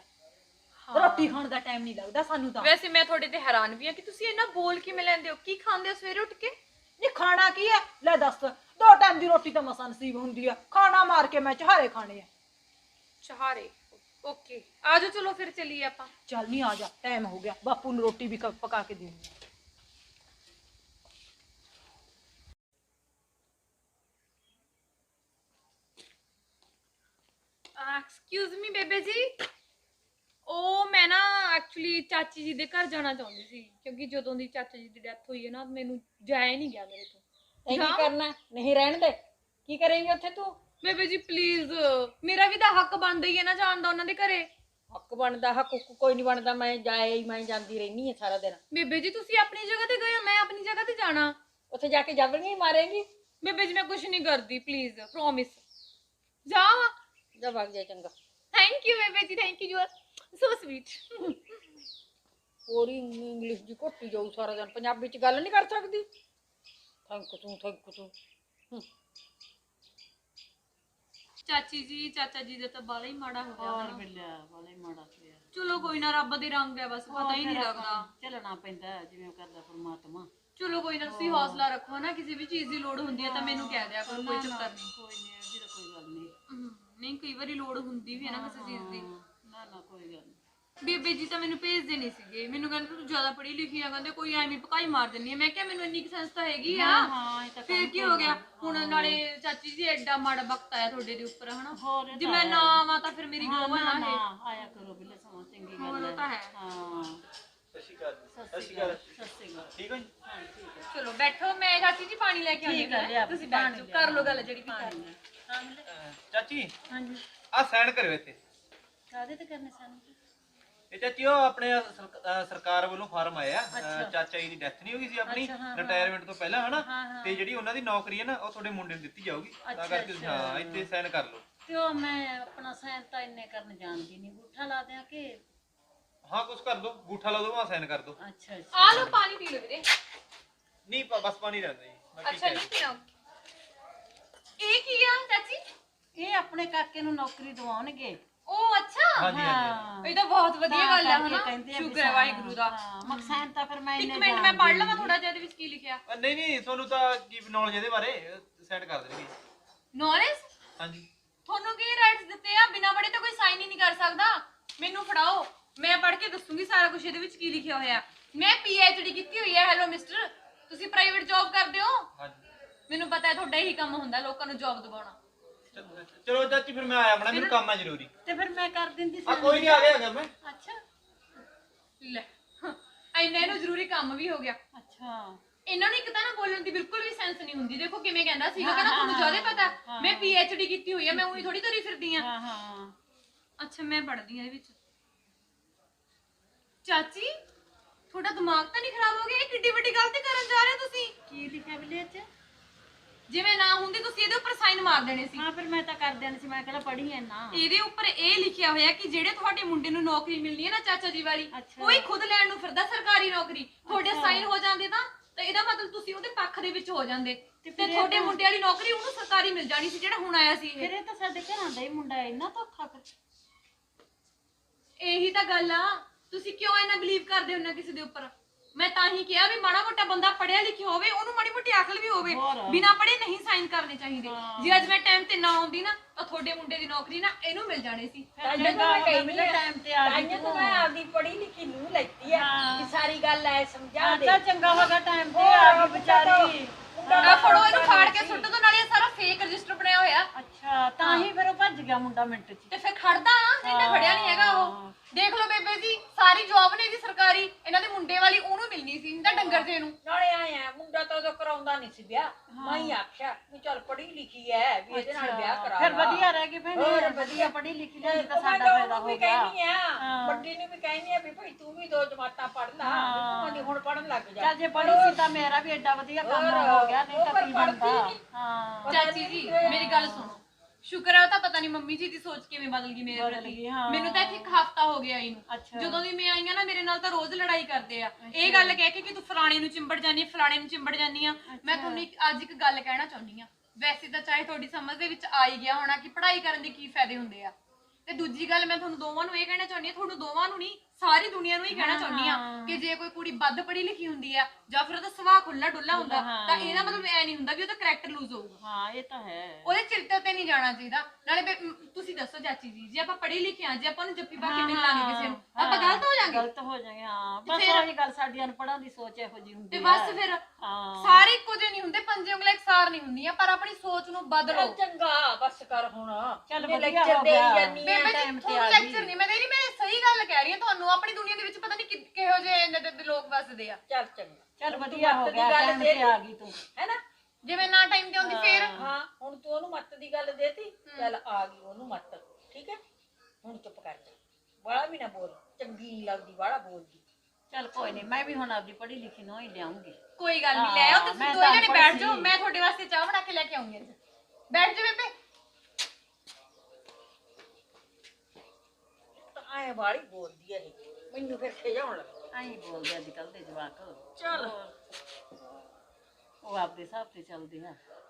Speaker 1: ਰੋਟੀ ਖਾਣ ਦਾ ਟਾਈਮ ਨਹੀਂ ਲੱਗਦਾ ਸਾਨੂੰ ਤਾਂ।
Speaker 3: ਵੈਸੇ ਮੈਂ ਤੁਹਾਡੇ ਤੇ ਹੈਰਾਨ ਵੀ ਆ ਕਿ ਤੁਸੀਂ ਇੰਨਾ ਬੋਲ ਕਿਵੇਂ ਲੈਂਦੇ ਹੋ? ਕੀ ਖਾਂਦੇ ਹੋ ਸਵੇਰੇ ਉੱਠ ਕੇ?
Speaker 1: ਨਹੀਂ ਖਾਣਾ ਕੀ ਹੈ ਲੈ ਦੱਸ, ਦੋ ਟਾਈਮ ਦੀ ਰੋਟੀ ਤਾਂ ਮਸਾਂ ਨਸੀਬ ਹੁੰਦੀ ਆ, ਖਾਣਾ ਮਾਰ ਕੇ ਮੈਂ ਚਾਹਾਰੇ ਖਾਣੇ ਆ।
Speaker 3: ਚਾਹਾਰੇ? ਓਕੇ, ਆ ਜਾਓ, ਚਲੋ ਫਿਰ ਚੱਲੀਏ ਆਪਾਂ।
Speaker 1: ਚੱਲ ਨਹੀਂ ਆ ਜਾ, ਟਾਈਮ ਹੋ ਗਿਆ, ਬਾਪੂ ਨੂੰ ਰੋਟੀ ਵੀ ਕ- ਪਕਾ ਕੇ ਦੇਣੀ।
Speaker 3: ਐਕਸਕਿਊਜ਼ ਮੀ ਬੇਬੇ ਜੀ, ਉਹ ਮੈਂ ਨਾ ਐਕਚੁਅਲੀ ਚਾਚੀ ਜੀ ਦੇ ਘਰ ਜਾਣਾ ਚਾਹੁੰਦੀ ਸੀ, ਕਿਉਂਕਿ ਜਦੋਂ ਦੀ ਚਾਚਾ ਜੀ ਦੀ ਡੈਥ ਹੋਈ ਹੈ ਨਾ ਮੈਨੂੰ ਜਾਇਆ ਨਹੀਂ ਗਿਆ ਮੇਰੇ ਤੋਂ।
Speaker 2: ਇਹ ਕੀ ਕਰਨਾ? ਨਹੀਂ ਰਹਿਣ ਦੇ, ਕੀ ਕਰੇਂਗੀ ਉੱਥੇ ਤੂੰ?
Speaker 3: ਬੇਬੇ ਜੀ ਪਲੀਜ਼, ਮੇਰਾ ਵੀ ਤਾਂ ਹੱਕ ਬਣਦਾ ਹੀ ਹੈ ਨਾ ਜਾਣ ਦਾ ਉਹਨਾਂ ਦੇ ਘਰੇ।
Speaker 2: ਹੱਕ ਬਣਦਾ, ਹੱਕ ਹੁੱਕ ਕੋਈ ਨਹੀਂ ਬਣਦਾ, ਮੈਂ ਜਾਏ ਹੀ ਮੈਂ ਜਾਂਦੀ ਰਹਿਣੀ ਹੈ ਸਾਰਾ ਦਿਨ।
Speaker 3: ਬੇਬੇ ਜੀ ਤੁਸੀਂ ਆਪਣੀ ਜਗ੍ਹਾ ਤੇ ਗਏ ਹੋ, ਮੈਂ ਆਪਣੀ ਜਗ੍ਹਾ ਤੇ ਜਾਣਾ।
Speaker 2: ਉੱਥੇ ਜਾ ਕੇ ਜਬਰੀਆਂ ਮਾਰੇਂਗੀ?
Speaker 3: ਬੇਬੇ ਜੀ ਮੈਂ ਕੁਝ ਨਹੀਂ ਕਰਦੀ, ਪਲੀਜ਼ ਪ੍ਰੋਮਿਸ। ਜਾ
Speaker 2: ਜਾ ਵਗ ਜਾ, ਚੰਗਾ।
Speaker 3: ਥੈਂਕ ਯੂ ਬੇਬੇ ਜੀ, thank you, you are so sweet.
Speaker 2: ਹੋਰ ਹੀ ਇੰਗਲਿਸ਼ ਦੀ ਘੋਟੀ ਜਾਊ ਸਾਰਾ ਦਿਨ, ਪੰਜਾਬੀ ਚ ਗੱਲ ਨਹੀਂ ਕਰ ਸਕਦੀ। ਥੈਂਕ ਤੂੰ ਥੈਂਕ ਤੂੰ।
Speaker 3: ਚਾਚੀ ਜੀ ਚਾਚਾ ਜੀ ਦਾ ਤਾਂ ਬਾਲਾ ਹੀ ਮਾੜਾ ਹੋ ਗਿਆ
Speaker 1: ਹੋਰ
Speaker 3: ਹਨਾ।
Speaker 1: ਬਿੱਲਿਆ ਵਾਲੇ ਮਾੜਾ ਪਿਆ।
Speaker 3: ਚਲੋ ਕੋਈ ਨਾ, ਰੱਬ ਦੇ ਰੰਗ ਹੈ ਬਸ, ਪਤਾ ਹੀ ਨਹੀਂ ਲੱਗਦਾ।
Speaker 1: ਚੱਲਣਾ ਪੈਂਦਾ ਜਿਵੇਂ ਕਰਦਾ ਪਰਮਾਤਮਾ।
Speaker 3: ਚਲੋ ਕੋਈ ਨਾ, ਤੁਸੀਂ ਹੌਸਲਾ ਰੱਖੋ ਨਾ, ਕਿਸੇ ਵੀ ਚੀਜ਼ ਦੀ ਲੋੜ ਹੁੰਦੀ ਹੈ ਤਾਂ ਮੈਨੂੰ ਕਹਿ ਦਿਆ ਕਰੋ, ਕੋਈ ਚੱਕਰ ਨਹੀਂ।
Speaker 1: ਕੋਈ ਨਹੀਂ, ਇਹਦੀ ਤਾਂ ਕੋਈ ਗੱਲ ਨਹੀਂ।
Speaker 3: ਹਮ, ਨਹੀਂ ਕਈ ਵਾਰੀ ਲੋੜ ਹੁੰਦੀ ਵੀ ਹੈ ਨਾ ਕਿਸੇ ਚੀਜ਼ ਦੀ।
Speaker 1: ਨਾ ਨਾ ਕੋਈ ਗੱਲ ਨਹੀਂ।
Speaker 3: ਬੇਬੇ ਜੀ ਤਾਂ ਮੈਨੂੰ ਭੇਜਦੇ ਨਹੀਂ ਸੀਗੇ, ਮੈਨੂੰ ਕਹਿੰਦੇ ਤੂੰ ਜ਼ਿਆਦਾ ਪੜ੍ਹੀ ਲਿਖੀ ਆ, ਕਹਿੰਦੇ ਕੋਈ ਐਵੇਂ ਪਕਾਈ ਮਾਰ ਦਿੰਦੀ ਆ। ਮੈਂ ਕਿਹਾ ਮੈਨੂੰ ਇੰਨੀ ਸੈਂਸ ਤਾਂ ਹੈਗੀ ਆ।
Speaker 1: ਹਾਂ ਇਹ ਤਾਂ
Speaker 3: ਫਿਰ ਕੀ ਹੋ ਗਿਆ ਹੁਣ, ਨਾਲੇ ਚਾਚੀ ਜੀ ਐਡਾ ਮਾੜਾ ਵਕਤ ਆਇਆ ਤੁਹਾਡੇ ਦੇ ਉੱਪਰ ਹਨਾ।
Speaker 1: ਹੋਰ ਇਹ
Speaker 3: ਜੇ
Speaker 1: ਤਾਂ
Speaker 3: ਮੈਂ
Speaker 1: ਹੈ।
Speaker 3: ਨਾ ਆਵਾਂ ਤਾਂ ਫਿਰ ਮੇਰੀ ਗੋਵਾ ਨਾ ਹੈ।
Speaker 1: ਹਾਂ ਆਇਆ ਕਰੋ ਬਿੱਲੇ, ਸਮਾਂ ਚੰਗੀ
Speaker 3: ਹੋਰ
Speaker 1: ਗੱਲ
Speaker 3: ਉਹ
Speaker 1: ਹੈ।
Speaker 3: ਤਾਂ ਹੈ।
Speaker 1: ਹਾਂ
Speaker 5: ਸਤਿ ਸ਼੍ਰੀ ਅਕਾਲ ਜੀ।
Speaker 1: ਸਤਿ ਸ਼੍ਰੀ ਅਕਾਲ। ਸਤਿ ਸ਼੍ਰੀ ਅਕਾਲ।
Speaker 5: ਠੀਕ ਹੋ ਜੀ?
Speaker 1: ਹਾਂ ਠੀਕ ਹੈ।
Speaker 3: ਚਲੋ ਬੈਠੋ, ਮੈਂ ਚਾਚੀ ਜੀ ਪਾਣੀ ਲੈ ਕੇ ਆਉਂਦੀ
Speaker 1: ਠੀਕ ਹੈ, ਲਿਆ
Speaker 3: ਹਾਂ, ਤੁਸੀਂ ਬੈਠ ਜਾਓ, ਕਰ ਲਓ ਗੱਲ ਜਿਹੜੀ ਵੀ ਕਰਨੀ ਹੈ।
Speaker 1: ਹਾਂ ਬਿੱਲੇ।
Speaker 7: ਚਾਚੀ
Speaker 1: ਹਾਂਜੀ
Speaker 7: ਆ ਸਾਈਨ ਕਰਿਓ ਇੱਥੇ।
Speaker 1: ਕਾਹਦੇ ਤੇ ਕਰਨੇ ਸਾਨੂੰ?
Speaker 7: ਇਹ ਚਾਚੀ ਉਹ ਆਪਣੇ ਸਰਕ- ਅਹ ਸਰਕਾਰ ਵੱਲੋਂ ਫਾਰਮ ਆਇਆ ਅਹ ਚਾਚਾ ਜੀ ਦੀ ਡੈਥ ਨਹੀਂ ਹੋ ਗਈ ਸੀ ਆਪਣੀ ਰਿਟਾਇਰਮੈਂਟ ਤੋਂ ਪਹਿਲਾਂ ਹਨਾ, ਤੇ ਜਿਹੜੀ ਉਹਨਾਂ ਦੀ ਨੌਕਰੀ ਹੈ ਨਾ ਉਹ ਤੁਹਾਡੇ ਮੁੰਡੇ ਨੂੰ ਦਿੱਤੀ ਜਾਊਗੀ, ਤਾਂ ਕਰਕੇ ਤੁਸੀਂ ਹਾਂ ਇੱਥੇ ਸਾਈਨ ਕਰ ਲਓ।
Speaker 1: ਤੇ ਉਹ ਮੈਂ ਆਪਣਾ ਸਾਇਨ ਤਾਂ ਇੰਨੇ ਕਰਨ ਜਾਣਦੀ ਨਹੀਂ, ਬੂਠਾ ਲਾ ਦਿਆਂ ਕਿ?
Speaker 7: ਹਾਂ ਕੁਛ ਕਰ ਦੋ, ਗੂਠਾ ਲਾ ਦੋ, ਆ ਸਾਈਨ ਕਰ ਦੋ।
Speaker 1: ਅੱਛਾ
Speaker 3: ਆ ਲਓ ਪਾਣੀ ਪੀ ਲਓ ਵੀਰੇ।
Speaker 7: ਨਹੀਂ ਪ- ਬਸ ਪਾਣੀ ਰਹਿੰਦਾ ਜੀ, ਮੈਂ ਠੀਕ
Speaker 3: ਅੱਛਾ
Speaker 7: ਹੈ।
Speaker 3: ਨਹੀਂ ਪੀਣਾ। ਇਹ ਕੀ ਆ ਚਾਚੀ?
Speaker 1: ਇਹ ਆਪਣੇ ਕਾਕੇ ਨੂੰ ਨੌਕਰੀ ਦਿਵਾਉਣਗੇ।
Speaker 3: ਉਹ ਅੱਛਾ,
Speaker 7: ਹਾਂਜੀ ਹਾਂਜੀ
Speaker 3: ਇਹ ਤਾਂ ਬਹੁਤ ਵਧੀਆ ਗੱਲ ਹੈ ਹਨਾ।
Speaker 1: ਕਹਿੰਦੇ ਆ ਵੀ
Speaker 3: ਸ਼ੁਕਰ ਹੈ ਵਾਹਿਗੁਰੂ ਦਾ।
Speaker 1: ਹਾਂ ਮਕਸਦ ਤਾਂ ਫਿਰ ਮੈਂ
Speaker 3: ਇੱਕ
Speaker 1: ਇੰਨੇ
Speaker 3: ਮਿੰਟ ਮੈਂ ਪੜ੍ਹ ਲਵਾਂ ਥੋੜਾ ਜਿਹਾ ਇਹਦੇ ਵਿੱਚ ਕੀ ਲਿਖਿਆ।
Speaker 7: ਅਹ ਨਹੀਂ ਨਹੀਂ ਤੁਹਾਨੂੰ ਤਾਂ ਕੀ ਨੌਲੇਜ ਇਹਦੇ ਬਾਰੇ, ਸਾਈਨ ਕਰ ਦੇਣਗੇ।
Speaker 3: ਨੌਲੇਜ?
Speaker 7: ਹਾਂਜੀ
Speaker 3: ਤੁਹਾਨੂੰ ਕੀ ਰਾਈਟਸ ਦਿੱਤੇ ਆ? ਬਿਨਾਂ ਪੜ੍ਹੇ ਤਾਂ ਕੋਈ ਸਾਈਨ ਹੀ ਨਹੀਂ ਕਰ ਸਕਦਾ। ਮੈਨੂੰ ਫੜਾਓ, ਮੈਂ ਪੜ੍ਹ ਕੇ ਦੱਸੂਗੀ ਸਾਰਾ ਕੁਝ ਇਹਦੇ ਵਿੱਚ ਕੀ ਲਿਖਿਆ ਹੋਇਆ। ਮੈਂ ਪੀ ਐਚ ਡੀ ਕੀਤੀ ਹੋਈ ਹੈ। ਹੈਲੋ ਮਿਸਟਰ, ਤੁਸੀਂ ਪ੍ਰਾਈਵੇਟ ਜੌਬ ਕਰਦੇ ਹੋ?
Speaker 7: ਹਾਂਜੀ।
Speaker 3: ਮੈਨੂੰ ਪਤਾ ਹੈ ਤੁਹਾਡਾ ਇਹੀ ਕੰਮ ਹੁੰਦਾ, ਲੋਕਾਂ ਨੂੰ ਜੌਬ ਦਿਵਾਉਣਾ।
Speaker 7: ਚ- ਚਲੋ ਚਾਚੀ ਫਿਰ ਮੈਂ ਆਇਆ ਬਣਾ, ਮੈਨੂੰ ਕੰਮ ਆ ਜ਼ਰੂਰੀ।
Speaker 1: ਤੇ ਫਿਰ ਮੈਂ ਕਰ ਦਿੰਦੀ
Speaker 7: ਆ ਕੋਈ ਨਹੀਂ, ਆ ਗਿਆ ਹੈਗਾ ਮੈਂ।
Speaker 3: ਅੱਛਾ ਲੈ, ਇੰਨਾ ਇਹਨੂੰ ਜ਼ਰੂਰੀ ਕੰਮ ਵੀ ਹੋ ਗਿਆ।
Speaker 1: ਅੱਛਾ
Speaker 3: ਇਹਨਾਂ ਨੂੰ ਇੱਕ ਤਾਂ ਨਾ ਬੋਲਣ ਦੀ ਬਿਲਕੁਲ ਵੀ ਸੈਂਸ ਨਹੀਂ ਹੁੰਦੀ। ਦੇਖੋ ਕਿਵੇਂ ਕਹਿੰਦਾ ਸੀਗਾ, ਕਹਿੰਦਾ ਤੁਹਾਨੂੰ ਜ਼ਿਆਦਾ ਪਤਾ, ਮੈਂ ਪੀ ਐਚ ਡੀ ਕੀਤੀ ਹੋਈ ਹੈ, ਮੈਂ ਉਹੀ ਥੋੜੀ ਤੁਰੀ ਫਿਰਦੀ ਆ।
Speaker 1: ਹਾਂ ਹਾਂ
Speaker 3: ਅੱਛਾ ਮੈਂ ਪੜ੍ਹਦੀ ਆ ਇਹਦੇ ਵਿੱਚ। ਚਾਚੀ ਤੁਹਾਡਾ ਦਿਮਾਗ ਤਾਂ ਨਹੀਂ ਖਰਾਬ ਹੋ ਗਿਆ? ਇਹ ਕਿੱਡੀ ਵੱਡੀ ਗਲਤੀ ਕਰਨ ਜਾ ਰਹੇ ਹੋ ਤੁਸੀਂ।
Speaker 1: ਕੀ ਲਿਖਿਆ ਬਿੱਲੇ ਚ?
Speaker 3: ਜਿਵੇਂ ਨਾ ਹੁੰਦੀ ਤੁਸੀਂ ਇਹਦੇ ਉੱਪਰ ਸਾਈਨ ਮਾਰ ਦੇਣੇ ਸੀ।
Speaker 1: ਹਾਂ ਫਿਰ ਮੈਂ ਤਾਂ ਕਰ ਦੇਣੀ ਸੀ, ਮੈਂ ਕਿਹੜਾ ਪੜ੍ਹੀ ਐ ਨਾ।
Speaker 3: ਇਹਦੇ ਉੱਪਰ ਇਹ ਲਿਖਿਆ ਹੋਇਆ ਕਿ ਜਿਹੜੇ ਤੁਹਾਡੇ ਮੁੰਡੇ ਨੂੰ ਨੌਕਰੀ ਮਿਲਣੀ ਹੈ ਨਾ ਚਾਚਾ ਜੀ ਵਾਲੀ, ਕੋਈ ਖੁਦ ਲੈਣ ਨੂੰ ਫਿਰਦਾ ਸਰਕਾਰੀ ਨੌਕਰੀ, ਤੁਹਾਡੇ ਸਾਈਨ ਹੋ ਜਾਂਦੇ ਤਾਂ ਤਾਂ ਇਹਦਾ ਮਤਲਬ ਤੁਸੀਂ ਉਹਦੇ ਪੱਖ ਦੇ ਵਿੱਚ ਹੋ ਜਾਂਦੇ ਤੇ ਤੁਹਾਡੇ ਮੁੰਡੇ ਵਾਲੀ ਨੌਕਰੀ ਉਹਨੂੰ ਸਰਕਾਰੀ ਮਿਲ ਜਾਣੀ ਸੀ ਜਿਹੜਾ ਹੁਣ ਆਇਆ ਸੀ ਇਹ।
Speaker 1: ਫਿਰ ਇਹ ਤਾਂ ਸਾਡੇ ਘਰਾਂ ਦਾ ਹੀ ਮੁੰਡਾ ਹੈ, ਇੰਨਾ ਧੋਖਾ ਕਰ।
Speaker 3: ਇਹੀ ਤਾਂ ਗੱਲ ਆ, ਤੁਸੀਂ ਕਿਉਂ ਇਹਨਾਂ ਬਿਲੀਵ ਕਰਦੇ ਹੋ ਨਾ ਕਿਸੇ ਦੇ ਉੱਪਰ? ਮੈਂ ਤਾਂ ਹੀ ਕਿਹਾ ਵੀ ਮਾੜਾ ਮੋਟਾ ਬੰਦਾ ਪੜਿਆ ਲਿਖਿਆ ਹੋਵੇ, ਉਹਨੂੰ ਮਾੜੀ ਮੋਟੀ ਅਕਲ ਵੀ ਹੋਵੇ। ਬਿਨਾਂ ਪੜੇ ਨਹੀਂ ਸਾਈਨ ਕਰਨੇ ਚਾਹੀਦੇ। ਜੇ ਅੱਜ ਮੈਂ ਟਾਈਮ ਤੇ ਨਾ ਆਉਂਦੀ ਨਾ ਤਾਂ ਤੁਹਾਡੇ ਮੁੰਡੇ ਦੀ ਨੌਕਰੀ ਨਾ ਇਹਨੂੰ ਮਿਲ ਜਾਣੀ ਸੀ।
Speaker 1: ਟਾਈਮ ਤੇ ਆ ਗਈ
Speaker 2: ਤਾਂ ਮੈਂ ਆਪਦੀ ਪੜ੍ਹੀ ਲਿਖੀ ਨੂੰ ਲੈਤੀ ਆ ਕਿ ਸਾਰੀ ਗੱਲ ਐ ਸਮਝਾ ਦੇ।
Speaker 1: ਤਾਂ ਚੰਗਾ ਹੋ ਗਿਆ ਟਾਈਮ ਤੇ ਆ ਗਈ ਵਿਚਾਰੀ।
Speaker 3: ਆ ਫੜੋ ਇਹਨੂੰ, ਫਾੜ ਕੇ ਸੁੱਟ ਦੋ, ਨਾਲੇ ਇਹ ਸਾਰਾ ਫੇਕ ਰਜਿਸਟਰ ਬਣਿਆ ਹੋਇਆ।
Speaker 1: ਅੱਛਾ ਤਾਂ ਹੀ ਫਿਰ ਉਹ ਭੱਜ ਗਿਆ ਮੁੰਡਾ ਮਿੰਟ ਚ।
Speaker 3: ਤੇ ਫਿਰ ਖੜਦਾ ਨਾ, ਜਿਹਨੇ ਫੜਿਆ ਨਹੀਂ ਹੈਗਾ ਉਹ। ਦੇਖ ਲਓ ਬੇਬੇ ਜੀ, ਸਾਰੀ ਜੌਬ ਨੇ ਇਹਦੀ ਸਰਕਾਰੀ, ਇਹਨਾਂ ਦੇ ਮੁੰਡੇ ਵਾਲੀ ਉਹਨੂੰ ਮਿਲਣੀ ਸੀ, ਤਾਂ ਡੰਗਰ ਜੇ ਨੂੰ।
Speaker 2: ਨਾਲੇ ਆਏ ਆ ਮੁੰਡਾ ਤਾਂ ਉਦੋਂ ਕਰਾਉਂਦਾ ਨਹੀਂ ਸੀ ਵਿਆਹ, ਮੈਂ ਹੀ ਆਖਿਆ ਵੀ ਚੱਲ ਪੜ੍ਹੀ ਲਿਖੀ ਐ ਵੀ ਇਹਦੇ ਨਾਲ ਵਿਆਹ ਕਰਾ ਲਾ।
Speaker 1: ਫਿਰ ਵਧੀਆ ਰਹਿ ਗਈ ਭੈਣੇ,
Speaker 2: ਹੋਰ
Speaker 1: ਵਧੀਆ ਪੜ੍ਹੀ ਲਿਖੀ ਲੈ ਤਾਂ
Speaker 2: ਮੈਂ
Speaker 1: ਸਾਡਾ
Speaker 2: ਤਾਂ
Speaker 1: ਫਾਇਦਾ
Speaker 2: ਉਹਨੂੰ ਵੀ
Speaker 1: ਹੋ ਗਿਆ।
Speaker 2: ਕਹਿੰਦੀ ਆ, ਵੱਡੀ ਨੂੰ ਵੀ ਕਹਿੰਦੀ ਆ ਵੀ ਭਾਈ ਤੂੰ ਵੀ ਦੋ ਜਮਾਤਾਂ ਪੜ੍ਹ ਲਾ, ਤੂੰ ਕਹਿੰਦੀ ਹੁਣ ਪੜ੍ਹਨ ਲੱਗ ਜਾ।
Speaker 1: ਚੱਲ ਜੇ ਪੜ੍ਹੀ ਸੀ ਤਾਂ ਮੇਰਾ ਵੀ ਐਡਾ ਵਧੀਆ ਕੰਮ ਹੋ ਗਿਆ, ਨਹੀਂ ਤਾਂ ਕੀ ਬਣਦਾ। ਹਾਂ
Speaker 3: ਚਾਚੀ ਜੀ ਮੇਰੀ ਗੱਲ ਸੁਣੋ, ਸ਼ੁਕਰ ਹੈ ਉਹ ਤਾਂ ਪਤਾ ਨਹੀਂ ਮੰਮੀ ਜੀ ਦੀ ਸੋਚ ਕਿਵੇਂ ਬਦਲ ਗਈ ਮੇਰੇ ਪ੍ਰਤੀ। ਮੈਨੂੰ ਤਾਂ ਇੱਥੇ ਇੱਕ ਹਫਤਾ ਹੋ ਗਿਆ ਇਹਨੂੰ, ਜਦੋਂ ਦੀ ਮੈਂ ਆਈ ਆ ਨਾ ਮੇਰੇ ਨਾਲ ਤਾਂ ਰੋਜ਼ ਲੜਾਈ ਕਰਦੇ ਆ। ਇਹ ਗੱਲ ਕਹਿ ਕੇ ਕਿ ਤੂੰ ਫਲਾਣੇ ਨੂੰ ਚਿੰਬੜ ਜਾਨੀ ਆ, ਫਲਾਣੇ ਨੂੰ ਚਿੰਬੜ ਜਾਨੀ ਆ। ਮੈਂ ਤੁਹਾਨੂੰ ਇੱਕ ਅੱਜ ਇੱਕ ਗੱਲ ਕਹਿਣਾ ਚਾਹੁੰਦੀ ਆ, ਵੈਸੇ ਤਾਂ ਚਾਹੇ ਤੁਹਾਡੀ ਸਮਝ ਦੇ ਵਿੱਚ ਆ ਹੀ ਗਿਆ ਹੋਣਾ ਕਿ ਪੜ੍ਹਾਈ ਕਰਨ ਦੇ ਕੀ ਫਾਇਦੇ ਹੁੰਦੇ ਆ, ਤੇ ਦੂਜੀ ਗੱਲ ਮੈਂ ਤੁਹਾਨੂੰ ਦੋਵਾਂ ਨੂੰ ਇਹ ਕਹਿਣਾ ਚਾਹੁੰਦੀ ਆ, ਤੁਹਾਨੂੰ ਦੋਵਾਂ ਨੂੰ ਨਹੀਂ ਸਾਰੀ ਦੁਨੀਆ ਨੂੰ ਹੀ ਕਹਿਣਾ ਚਾਹੁੰਦੀ ਆ ਕਿ ਜੇ ਕੋਈ ਕੁੜੀ ਵੱਧ ਪੜ੍ਹੀ ਲਿਖੀ ਹੁੰਦੀ ਆ ਜਾਂ ਫਿਰ ਉਹਦਾ ਸੁਭਾਅ ਖੁੱਲਾ ਡੁੱਲਾ ਹੁੰਦਾ ਤਾਂ ਇਹਦਾ ਮਤਲਬ ਐ ਨਹੀਂ ਹੁੰਦਾ ਵੀ ਉਹਦਾ ਕਰੈਕਟਰ ਲੂਜ਼ ਹੋਊਗਾ।
Speaker 1: ਹਾਂ ਇਹ ਤਾਂ ਹੈ,
Speaker 3: ਉਹਦੇ ਚਿਰਤੇ ਤੇ ਨਹੀਂ ਜਾਣਾ ਚਾਹੀਦਾ। ਨਾਲੇ ਬੇ- ਮ, ਤੁਸੀਂ ਦੱਸੋ ਚਾਚੀ ਜੀ, ਜੇ ਆਪਾਂ ਪੜ੍ਹੇ ਲਿਖੇ ਆ, ਜੇ ਆਪਾਂ ਨੂੰ ਜੱਫੀ ਪਾ ਕੇ ਮਿਲ ਲਾਂਗੇ ਕਿਸੇ ਨੂੰ, ਆਪਾਂ ਗਲਤ ਹੋ ਜਾਾਂਗੇ।
Speaker 1: ਗਲਤ ਹੋ ਜਾਗੇ। ਹਾਂ ਬਸ ਉਹੀ ਗੱਲ, ਸਾਡੀ ਅਨਪੜ੍ਹਾਂ ਦੀ ਸੋਚ ਇਹੋ ਜੀ ਹੁੰਦੀ
Speaker 3: ਤੇ
Speaker 1: ਹੈ।
Speaker 3: ਬਸ ਫਿਰ
Speaker 1: ਹਾਂ
Speaker 3: ਸਾਰੇ ਇੱਕੋ ਜਿਹੇ ਨਹੀਂ ਹੁੰਦੇ, ਪੰਜੇ ਉਂਗਲਾਂ ਇਕਸਾਰ ਨਹੀਂ ਹੁੰਦੀਆਂ, ਪਰ ਆਪਣੀ ਸੋਚ ਨੂੰ ਬਦਲੋ।
Speaker 2: ਚੰਗਾ ਬਸ ਕਰ ਹੁਣ,
Speaker 1: ਚੱਲ
Speaker 2: ਜੇ
Speaker 1: ਵਧੀਆ
Speaker 2: ਲੈਕਚਰ
Speaker 1: ਹੋ
Speaker 2: ਦੇਈ
Speaker 1: ਗਿਆ।
Speaker 2: ਜਾਨੀ ਆ।
Speaker 3: ਬੇਬੇ ਜੀ
Speaker 1: time ਤੇ
Speaker 3: ਤੁਹਾਨੂੰ
Speaker 1: ਆ
Speaker 3: ਲੈਕਚਰ
Speaker 1: ਗਈ।
Speaker 3: ਨਹੀਂ ਮੈਂ ਦੇ ਰਹੀ, ਮੈਂ ਸਹੀ ਗੱਲ ਕਹਿ ਰਹੀ ਹਾਂ ਤੁਹਾਨੂੰ। ਆਪਣੀ ਦੁਨੀਆ ਦੇ ਵਿੱਚ ਪਤਾ ਨਹੀਂ ਕਿ- ਕਿਹੋ ਜਿਹੇ ਇਹਨਾਂ ਦੇ ਲੋਕ ਵੱਸਦੇ ਆ।
Speaker 2: ਚੱਲ ਚੰਗਾ,
Speaker 1: ਚੱਲ ਵਧੀਆ ਹੋ ਗਿਆ, ਟਾਈਮ ਤੇ ਆ ਗਈ ਤੂੰ।
Speaker 2: ਹੈਨਾ?
Speaker 3: ਜਿਵੇਂ ਨਾ ਟਾਈਮ ਤੇ ਆਉਂਦੀ ਫੇਰ
Speaker 2: ਹਾਂ ਹੁਣ ਤੂੰ ਉਹਨੂੰ ਮੱਤ ਦੀ ਗੱਲ ਦੇਤੀ, ਚੱਲ ਆ ਗਈ ਉਹਨੂੰ ਮੱਤ, ਠੀਕ ਹੈ? ਹੁਣ ਚੁੱਪ ਕਰ ਜਾ, ਬਾਹਲਾ ਵੀ ਨਾ ਬੋਲ, ਚੰਗੀ ਨਹੀਂ ਲੱਗਦੀ ਬਾਹਲਾ ਬੋਲਦੀ।
Speaker 1: ਚੱਲ ਕੋਈ ਨਹੀਂ, ਮੈਂ ਵੀ ਹੁਣ ਆਪਦੀ ਪੜ੍ਹੀ ਲਿਖੀ ਨੂੰ ਹੀ ਲਿਆਉਂਗੀ।
Speaker 3: ਕੋਈ ਗੱਲ ਨਹੀਂ, ਲੈ ਆਓ ਤੁਸੀਂ
Speaker 1: ਮੈਂ
Speaker 3: ਦੋਵੇਂ
Speaker 1: ਤਾਂ
Speaker 3: ਜਣੇ ਬੈਠ
Speaker 1: ਅਨਪੜ੍ਹ
Speaker 3: ਜਾਓ,
Speaker 1: ਸੀ।
Speaker 3: ਮੈਂ ਤੁਹਾਡੇ ਵਾਸਤੇ ਚਾਹ ਬਣਾ ਕੇ ਲੈ ਕੇ ਆਉਂਗੀ ਅੱਜ। ਬੈਠ ਜਾ ਬੇਬੇ।
Speaker 2: ਤਾਂ ਐ ਬਾਹਲੀ ਬੋਲਦੀ ਹੈ ਇਹ, ਮੈਨੂੰ ਫਿਰ ਖਿਜਾਉਣ ਲੱਗ
Speaker 8: ਆਈ ਬੋਲਦੇ ਅੱਜ ਕੱਲ ਦੇ ਜਵਾਕ
Speaker 2: ਚੱਲ
Speaker 8: ਉਹ ਆਪਦੇ ਹਿਸਾਬ ਤੇ ਚੱਲਦੇ ਆ